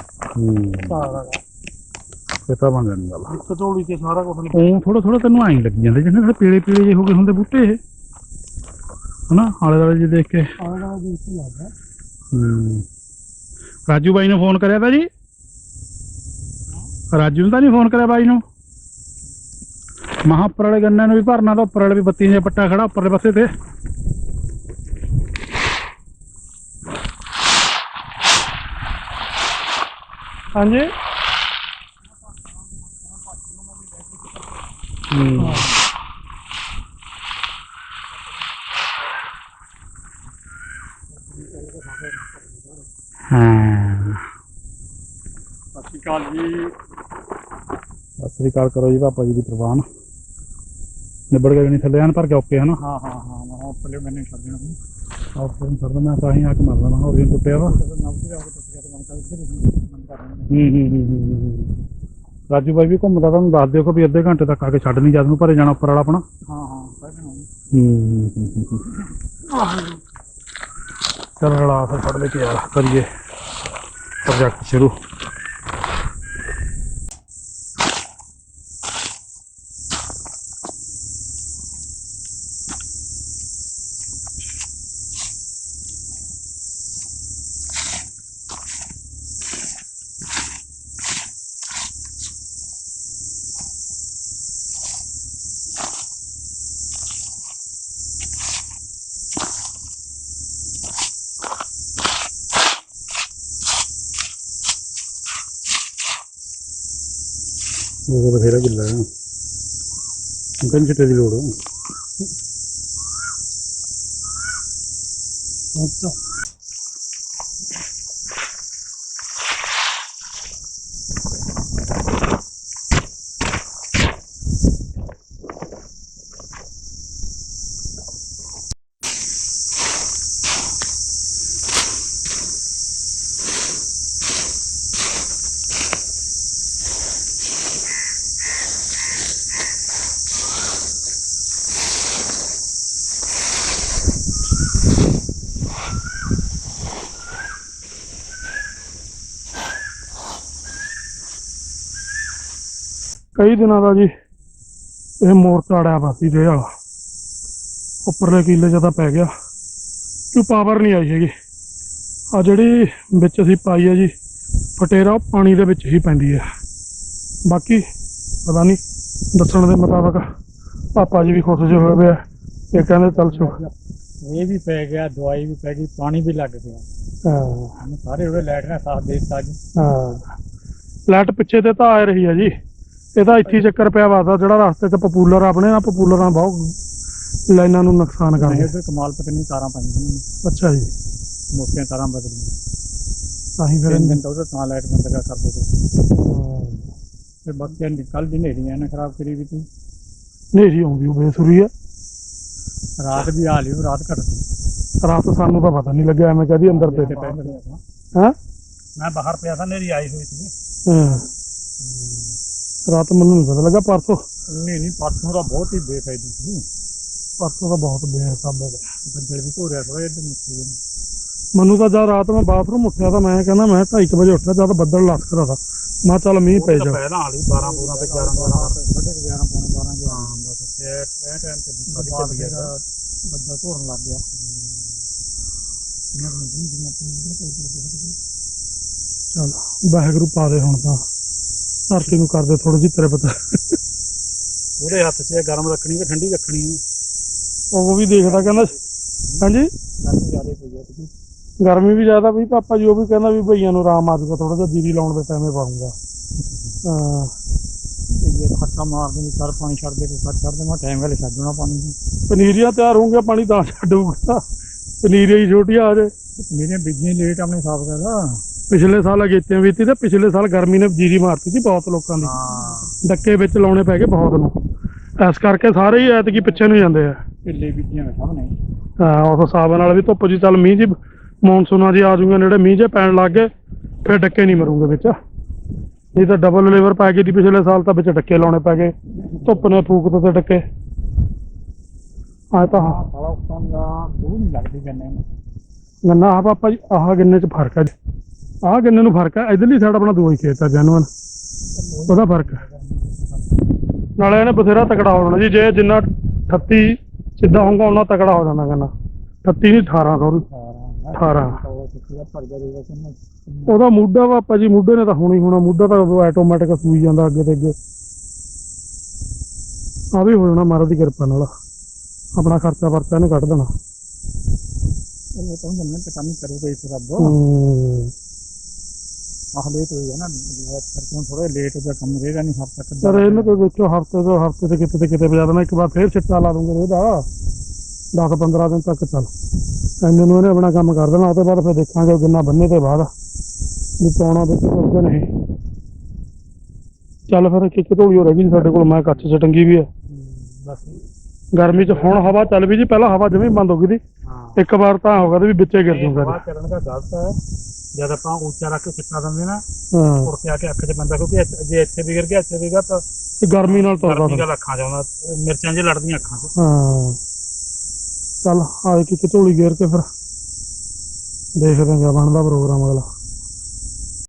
[SPEAKER 1] ਇਹ ਤਾਂ ਬਣ ਜਾਣੀ ਗੱਲ।
[SPEAKER 4] ਇੱਕ ਝੋਲੀ ਤੇ ਸਾਰਾ ਕੁਝ
[SPEAKER 1] ਉਹ ਥੋੜਾ ਥੋੜਾ ਤੈਨੂੰ ਆਈ ਲੱਗੀ ਜਾਂਦੇ ਜਿਵੇਂ ਜਿਹੜੇ ਪੀਲੇ ਪੀਲੇ ਜਿਹੇ ਹੋ ਗਏ ਹੁੰਦੇ ਬੂਟੇ ਇਹ ਹਨਾ, ਆਲੇ ਦੁਆਲੇ ਜੇ ਦੇਖ ਕੇ।
[SPEAKER 4] ਆਲੇ ਦੁਆਲੇ ਦੇਖ ਕੇ ਲੱਗਦਾ।
[SPEAKER 1] ਰਾਜੂ ਬਾਈ ਨੂੰ ਫੋਨ ਕਰਿਆ ਤਾ ਜੀ? ਰਾਜੂ ਨੂੰ ਤਾਂ ਨਹੀਂ ਫੋਨ ਕਰਿਆ ਬਾਈ ਨੂੰ? ਮਹਾਂ ਉੱਪਰ ਵਾਲੇ ਗੰਨੇ ਨੂੰ ਵੀ ਭਰਨਾ ਤਾਂ ਉੱਪਰ ਵਾਲੇ ਵੀ ਬੱਤੀ ਜਿਹਾ ਪੱਟਾ ਖੜਾ ਉੱਪਰਲੇ ਪਾਸੇ ਤੇ।
[SPEAKER 4] ਹਾਂਜੀ
[SPEAKER 1] ਹਾਂ
[SPEAKER 4] ਸਤਿ ਸ਼੍ਰੀ ਅਕਾਲ ਜੀ।
[SPEAKER 1] ਸਤਿ ਸ੍ਰੀ ਅਕਾਲ ਕਰੋ ਜੀ ਪਾਪਾ ਜੀ ਦੀ ਪ੍ਰਵਾਨ। ਨਿਬੜ ਗਏ ਨਹੀਂ ਥੱਲੇ ਹਨ ਪਰ ਓਕੇ ਹਨਾ?
[SPEAKER 4] ਹਾਂ ਹਾਂ ਹਾਂ ਮੈਂ ਉੱਪਰਲੇ ਮੈਨੇ ਛੱਡ ਦੇਣਾ
[SPEAKER 1] ਓਕੇ ਸਰ ਮੈਂ ਤਾਂ ਹੀ ਆ ਕੇ ਮਰਦਾ ਮੈਂ ਹੋਰ ਟੁੱਟਿਆ ਵਾ। ਰਾਜੂ ਬਾਈ ਵੀ ਘੁੰਮਦਾ, ਤੁਹਾਨੂੰ ਦੱਸ ਦਿਓ ਕਿ ਵੀ ਅੱਧੇ ਘੰਟੇ ਤੱਕ ਆ ਕੇ ਛੱਡ ਨਹੀਂ ਜਦ ਨੂੰ ਭਰੇ ਜਾਣਾ ਉੱਪਰ ਵਾਲਾ ਆਪਣਾ।
[SPEAKER 4] ਹਾਂ ਹਾਂ
[SPEAKER 1] ਚਲ ਰਲਾ ਫਿਰ ਫੜ ਲੈ ਕੇ ਯਾਰ ਕਰੀਏ ਪ੍ਰੋਜੈਕਟ ਸ਼ੁਰੂ। ਉਹ ਬਥੇਰਾ ਗਿੱਲਾ ਹੈ, ਕੰਨ ਚਿੱਟੇ ਦੀ ਲੋੜ ਹੈ।
[SPEAKER 4] ਅੱਛਾ ਕਈ ਦਿਨਾਂ ਦਾ ਜੀ ਇਹ ਮੋਰਚਾ ਅੜਿਆ ਵਾ ਸੀ ਰੇਹ ਵਾਲਾ। ਉੱਪਰਲੇ ਕੀਲੇ 'ਚ ਤਾਂ ਪੈ ਗਿਆ ਕਿ ਪਾਵਰ ਨਹੀਂ ਆਈ ਹੈਗੀ। ਆ ਜਿਹੜੀ ਵਿੱਚ ਅਸੀਂ ਪਾਈ ਹੈ ਜੀ ਫਟੇਰਾ ਉਹ ਪਾਣੀ ਦੇ ਵਿੱਚ ਹੀ ਪੈਂਦੀ ਹੈ। ਬਾਕੀ ਪਤਾ ਨਹੀਂ, ਦੱਸਣ ਦੇ ਮੁਤਾਬਕ ਪਾਪਾ ਜੀ ਵੀ ਖੁਸ਼ ਜਿਹੇ ਹੋਏ ਪਏ ਆ। ਇਹ ਕਹਿੰਦੇ ਚੱਲ
[SPEAKER 5] ਇਹ ਵੀ ਪੈ ਗਿਆ, ਦਵਾਈ ਵੀ ਪੈ ਗਈ, ਪਾਣੀ ਵੀ ਲੱਗ ਗਿਆ।
[SPEAKER 4] ਹਾਂ
[SPEAKER 5] ਸਾਰੇ ਉਹਦੇ ਲਾਈਟ ਨੇ ਸਾਥ ਦੇ ਦਿੱਤਾ ਜੀ।
[SPEAKER 4] ਹਾਂ ਲਾਈਟ ਪਿੱਛੇ ਤੇ ਤਾਂ ਆ ਰਹੀ ਹੈ ਜੀ। ਇਹਦਾ ਇੱਥੇ ਚੱਕਰ ਪਿਆ ਵਾ ਜਿਹੜਾ ਰਸਤੇ 'ਚ ਪਪੂਲਰ ਆਪਣੇ ਨਾ ਪਪੂਲਰਾਂ ਬਹੁਤ ਲਾਈਨਾਂ ਨੂੰ ਨੁਕਸਾਨ ਕਰਦੇ।
[SPEAKER 5] ਉਧਰ ਕਮਾਲ ਪਤਾ ਨਹੀਂ ਤਾਰਾਂ ਪਾਈਆਂ।
[SPEAKER 4] ਅੱਛਾ ਜੀ,
[SPEAKER 5] ਮੋਟੀਆਂ ਤਾਰਾਂ ਬਦਲੀਆਂ
[SPEAKER 4] ਤਾਂ ਹੀ ਫਿਰ
[SPEAKER 5] 3 ਦਿਨ ਤੋਂ ਉਹਦਾ ਤਾਂ ਲਾਈਟ ਬੰਦ ਕਰ ਦੋ ਤੇ ਬਾਕੀ ਕੱਲ ਦੀ ਹਨੇਰੀਆਂ ਨੇ ਖਰਾਬ ਕਰੀ ਵੀ ਤੀ।
[SPEAKER 4] ਹਨੇਰੀ ਆਉਂਦੀ ਉਹ ਬੇਸੁਰੀ ਹੈ।
[SPEAKER 5] ਰਾਤ ਵੀ ਆ ਲਿਓ, ਰਾਤ ਘੱਟ
[SPEAKER 4] ਰਾਤ ਸਾਨੂੰ ਤਾਂ ਪਤਾ ਨਹੀਂ ਲੱਗਿਆ, ਐਵੇਂ ਕਹਦੀ ਅੰਦਰ ਤੇ ਹੈਂ।
[SPEAKER 5] ਮੈਂ ਬਾਹਰ ਪਿਆ ਤਾਂ ਹਨੇਰੀ ਆਈ ਹੋਈ ਸੀ।
[SPEAKER 4] ਹਾਂ ਰਾਤ ਮੈਨੂੰ ਨਹੀਂ ਪਤਾ ਲੱਗਾ। ਪਰਸੋਂ
[SPEAKER 5] ਨਹੀਂ ਪਰਸੋਂ ਦਾ ਬਹੁਤ ਹੀ ਬੇਫਾਇਦੀ ਸੀ।
[SPEAKER 4] ਪਰਸੋਂ ਤਾਂ ਬਹੁਤ ਬੇਹਿਸਾਬ ਹੈ।
[SPEAKER 5] ਬੱਦਲ ਵੀ ਧੋ ਰਿਹਾ ਥੋੜਾ ਜਿਹਾ ਨਿਕਲ
[SPEAKER 4] ਮੈਨੂੰ ਤਾਂ ਜਦ ਰਾਤ ਮੈਂ ਬਾਥਰੂਮ ਉੱਠਿਆ ਤਾਂ ਮੈਂ ਕਹਿੰਦਾ ਮੈਂ 2:30 ਵਜੇ ਉੱਠਿਆ ਜਦ ਬੱਦਲ ਲੱਥ ਰਿਹਾ ਤਾ। ਮੈਂ ਚੱਲ ਮੀਂਹ ਪੈ ਜਾ।
[SPEAKER 5] ਪਹਿਲਾਂ ਵਾਲੀ 12 ਪੂਰਾ ਤੇ 11 11 ਪੌਣੇ 12 ਹਾਂ ਬਸ ਇਹ ਟਾਈਮ ਤੇ ਚੱਲ ਗਿਆ ਬੱਦਲ ਧੋਣ ਲੱਗ ਗਿਆ।
[SPEAKER 4] ਚੱਲ ਵਾਹਿਗੁਰੂ ਪਾ ਦੇ ਹੁਣ ਤਾਂ ਧਰਤੀ ਨੂੰ ਕਰਦੇ ਥੋੜੀ ਜਿਹੀ ਤੇਰੇ ਪਤਾ।
[SPEAKER 5] ਉਹਦੇ ਹੱਥ 'ਚ ਗਰਮ ਰੱਖਣੀ ਕਿ ਠੰਡੀ ਰੱਖਣੀ ਹੈ।
[SPEAKER 4] ਉਹ ਵੀ ਦੇਖਦਾ ਕਹਿੰਦਾ ਹਾਂਜੀ
[SPEAKER 5] ਗਰਮ ਜ਼ਿਆਦਾ ਪਈ ਆ ਤੁਸੀਂ।
[SPEAKER 4] ਗਰਮੀ ਵੀ ਜ਼ਿਆਦਾ ਵੀ ਪਾਪਾ ਜੀ ਉਹ ਵੀ ਕਹਿੰਦਾ ਵੀ ਭਈਆਂ ਨੂੰ ਆਰਾਮ ਆ ਜਾਊਗਾ ਥੋੜਾ ਜਿਹਾ ਜੀਰੀ ਲਾਉਣ ਦੇ ਟਾਈਮੇ ਪਾਉਂਗਾ। ਹਾਂ
[SPEAKER 5] ਇਹ ਹੱਥਾਂ ਮਾਰ ਦੇਣੀ ਸਰ ਪਾਣੀ ਛੱਡ ਦੇ ਕੋਈ ਛੱਡ ਦੇ ਮੈਂ ਟਾਈਮ ਵੇਲੇ ਛੱਡਣਾ ਪਾਣੀ।
[SPEAKER 4] ਪਨੀਰੀਆਂ ਤਿਆਰ ਹੋਣਗੀਆਂ ਪਾਣੀ ਤਾਂ ਛੱਡੂਗਾ। ਪਨੀਰੀਆਂ ਹੀ ਛੋਟੀਆਂ ਆ ਜੇ
[SPEAKER 5] ਮੇਰੀਆਂ ਬੀਜੀਆਂ ਲੇਟ ਆਪਣੇ ਹਿਸਾਬ ਕਰਦਾ।
[SPEAKER 4] ਪਿਛਲੇ ਸਾਲ ਅਗੇਤੀਆਂ ਬੀਤੀ ਤੇ ਪਿਛਲੇ ਸਾਲ ਗਰਮੀ ਨੇ ਜੀਰੀ ਮਾਰਤੀ ਸੀ ਬਹੁਤ ਲੋਕਾਂ ਦੀ। ਡੱਕੇ ਵਿੱਚ ਲਾਉਣੇ ਪੈ ਗਏ ਬਹੁਤ ਨੂੰ। ਇਸ ਕਰਕੇ ਸਾਰੇ ਹੀ ਐਤਕੀ ਪਿੱਛੇ ਨੂੰ ਜਾਂਦੇ ਆ।
[SPEAKER 5] ਢਿੱਲੇ ਬੀਜੀਆਂ ਸਭ ਨੇ।
[SPEAKER 4] ਹਾਂ ਉਸ ਹਿਸਾਬ ਨਾਲ ਵੀ ਧੁੱਪ ਜੀ ਚੱਲ ਮੀਂਹ ਜੀ ਮੌਨਸੂਨਾਂ ਜੀ ਆ ਜੂਗਾ ਨੇੜੇ ਮੀਂਹ ਜੇ ਪੈਣ ਲੱਗ ਗਏ ਫਿਰ ਡੱਕੇ ਨਹੀਂ ਮਰੂਗੇ ਵਿੱਚ। ਨਹੀਂ ਤਾਂ ਡਬਲ ਲੇਵਰ ਪੈ ਗਈ ਦੀ ਪਿਛਲੇ ਸਾਲ ਤਾਂ ਵਿੱਚ ਡੱਕੇ ਲਾਉਣੇ ਪੈ ਗਏ ਧੁੱਪ ਨੇ ਫੂਕ ਦਿੱਤੇ ਡੱਕੇ ਆ ਤਾਂ ਹਾਂ
[SPEAKER 5] ਸਾਲਾ ਉੱਤਾਂ ਦਾ ਦੂਰ ਨਹੀਂ ਲੱਗਦੀ ਗੰਨੇ ਨੂੰ
[SPEAKER 4] ਗੰਨਾ ਆ ਪਾਪਾ ਜੀ ਆਹ ਗੰਨੇ 'ਚ ਫਰਕ ਹੈ ਆਹ ਗੰਨੇ ਨੂੰ ਫਰਕ ਹੈ ਇਧਰਲੀ ਸਾਈਡ ਆਪਣਾ ਦੂਆ ਹੀ ਖੇਤ ਆ ਜੈਨੂਅਨ ਉਹਦਾ ਫਰਕ ਹੈ ਨਾਲੇ ਇਹਨੇ ਬਥੇਰਾ ਤਕੜਾ ਹੋ ਜਾਣਾ ਜੀ ਜੇ ਜਿੰਨਾ 38 ਸਿੱਧਾ ਹੋਊਗਾ ਉਹਨਾਂ ਤਕੜਾ ਹੋ ਜਾਣਾ ਗੰਨਾ 38 ਨਹੀਂ 18 ਸੌਰੀ 18 ਉਹਦਾ ਮੂਢਾ ਪਾਪਾ ਜੀ ਮੂਢੇ ਨੇ ਤਾਂ ਹੋਣਾ ਹੀ ਹੋਣਾ ਮੂਢਾ ਤਾਂ ਆਟੋਮੈਟਿਕ ਸੂਈ ਜਾਂਦਾ ਅੱਗੇ ਤੇ ਅੱਗੇ ਆ ਵੀ ਹੋ ਜਾਣਾ ਮਹਾਰਾਜ ਦੀ ਕਿਰਪਾ ਨਾਲ ਆਪਣਾ ਖਰਚਾ ਵਰਚਾ ਇਹਨੇ ਕੱਢ ਦੇਣਾ
[SPEAKER 5] ਉਹ ਤਾਂ ਗੰਨੇ ਤੇ ਕੰਮ ਕਰੂਗਾ ਇਸ ਰੱਬ ਆਹ ਲੇਟ ਹੋਈ ਹੈ ਨਾ ਕਰਕੇ ਥੋੜਾ ਲੇਟ ਹੋ ਗਿਆ ਕੰਮ ਰਹੇਗਾ ਨਹੀਂ ਹਫ਼ਤਾ ਤੱਕ
[SPEAKER 4] ਸਰ ਇਹਨੂੰ ਕੋਈ ਵਿੱਚੋਂ ਹਫ਼ਤੇ ਤੇ ਕਿਤੇ ਵਜਾ ਦੇਣਾ ਇੱਕ ਵਾਰ ਫੇਰ ਛਿੱਟਾ ਲਾ ਦੂੰਗੇ ਇਹਦਾ 10-15 ਦਿਨ ਤੱਕ ਚੱਲ ਇੰਨੇ ਨੂੰ ਇਹਨੇ ਆਪਣਾ ਕੰਮ ਕਰ ਦੇਣਾ ਉਹਦੇ ਬਾਅਦ ਫਿਰ ਦੇਖਾਂਗੇ ਗੰਨਾ ਬੰਨੇ ਤੇ ਬਾਅਦ ਵੀ ਪਾਉਣਾ ਵਿੱਚ ਕਰਦੇ ਨਹੀਂ ਚੱਲ ਫਿਰ ਇੱਕ ਢੋਲੀ ਹੋ ਰਹਿ ਗਈ ਸਾਡੇ ਕੋਲ ਮੈਂ ਕੱਚ 'ਚ ਟੰਗੀ ਵੀ ਹੈ
[SPEAKER 5] ਬਸ
[SPEAKER 4] ਗਰਮੀ 'ਚ ਹੁਣ ਹਵਾ ਚੱਲ ਵੀ ਜੀ ਪਹਿਲਾਂ ਹਵਾ ਜਮੀ ਬੰਦ ਹੋ ਗਈ ਸੀ ਇੱਕ ਵਾਰ ਤਾਂ ਹੋ ਗਿਆ ਤੇ ਵੀ ਵਿੱਚੇ ਗਿਰ ਜੂਗਾ
[SPEAKER 5] ਹਵਾ ਚੱਲਣ ਦਾ ਗਲਤ ਹੈ ਜਦ ਆਪਾਂ ਉੱਚਾ ਰੱਖ ਕੇ ਸਿੱਟਾ ਦਿੰਦੇ ਨਾ
[SPEAKER 4] ਹਾਂ
[SPEAKER 5] ਉੜ ਕੇ ਆ ਕੇ ਅੱਖ 'ਚ ਪੈਂਦਾ ਕਿਉਂਕਿ ਜੇ ਇੱਥੇ ਵਿਗੜ ਗਿਆ ਇੱਥੇ ਵਿਗੜ ਤਾਂ
[SPEAKER 4] ਤੇ ਗਰਮੀ ਨਾਲ ਤੁਰਦਾ
[SPEAKER 5] ਗਰਮੀ ਦਾ ਅੱਖਾਂ 'ਚ ਆਉਂਦਾ ਮਿਰਚਾਂ ਜਿਹੀ ਲੜਦੀਆਂ ਅੱਖਾਂ 'ਚ
[SPEAKER 4] ਹਾਂ ਚੱਲ ਆ ਇੱਕ ਝੋਲੀ ਗੇਰ ਕੇ ਫਿਰ ਦੇਖਦੇ ਹਾਂ ਕਿਆ ਬਣਦਾ ਪ੍ਰੋਗਰਾਮ ਅਗਲਾ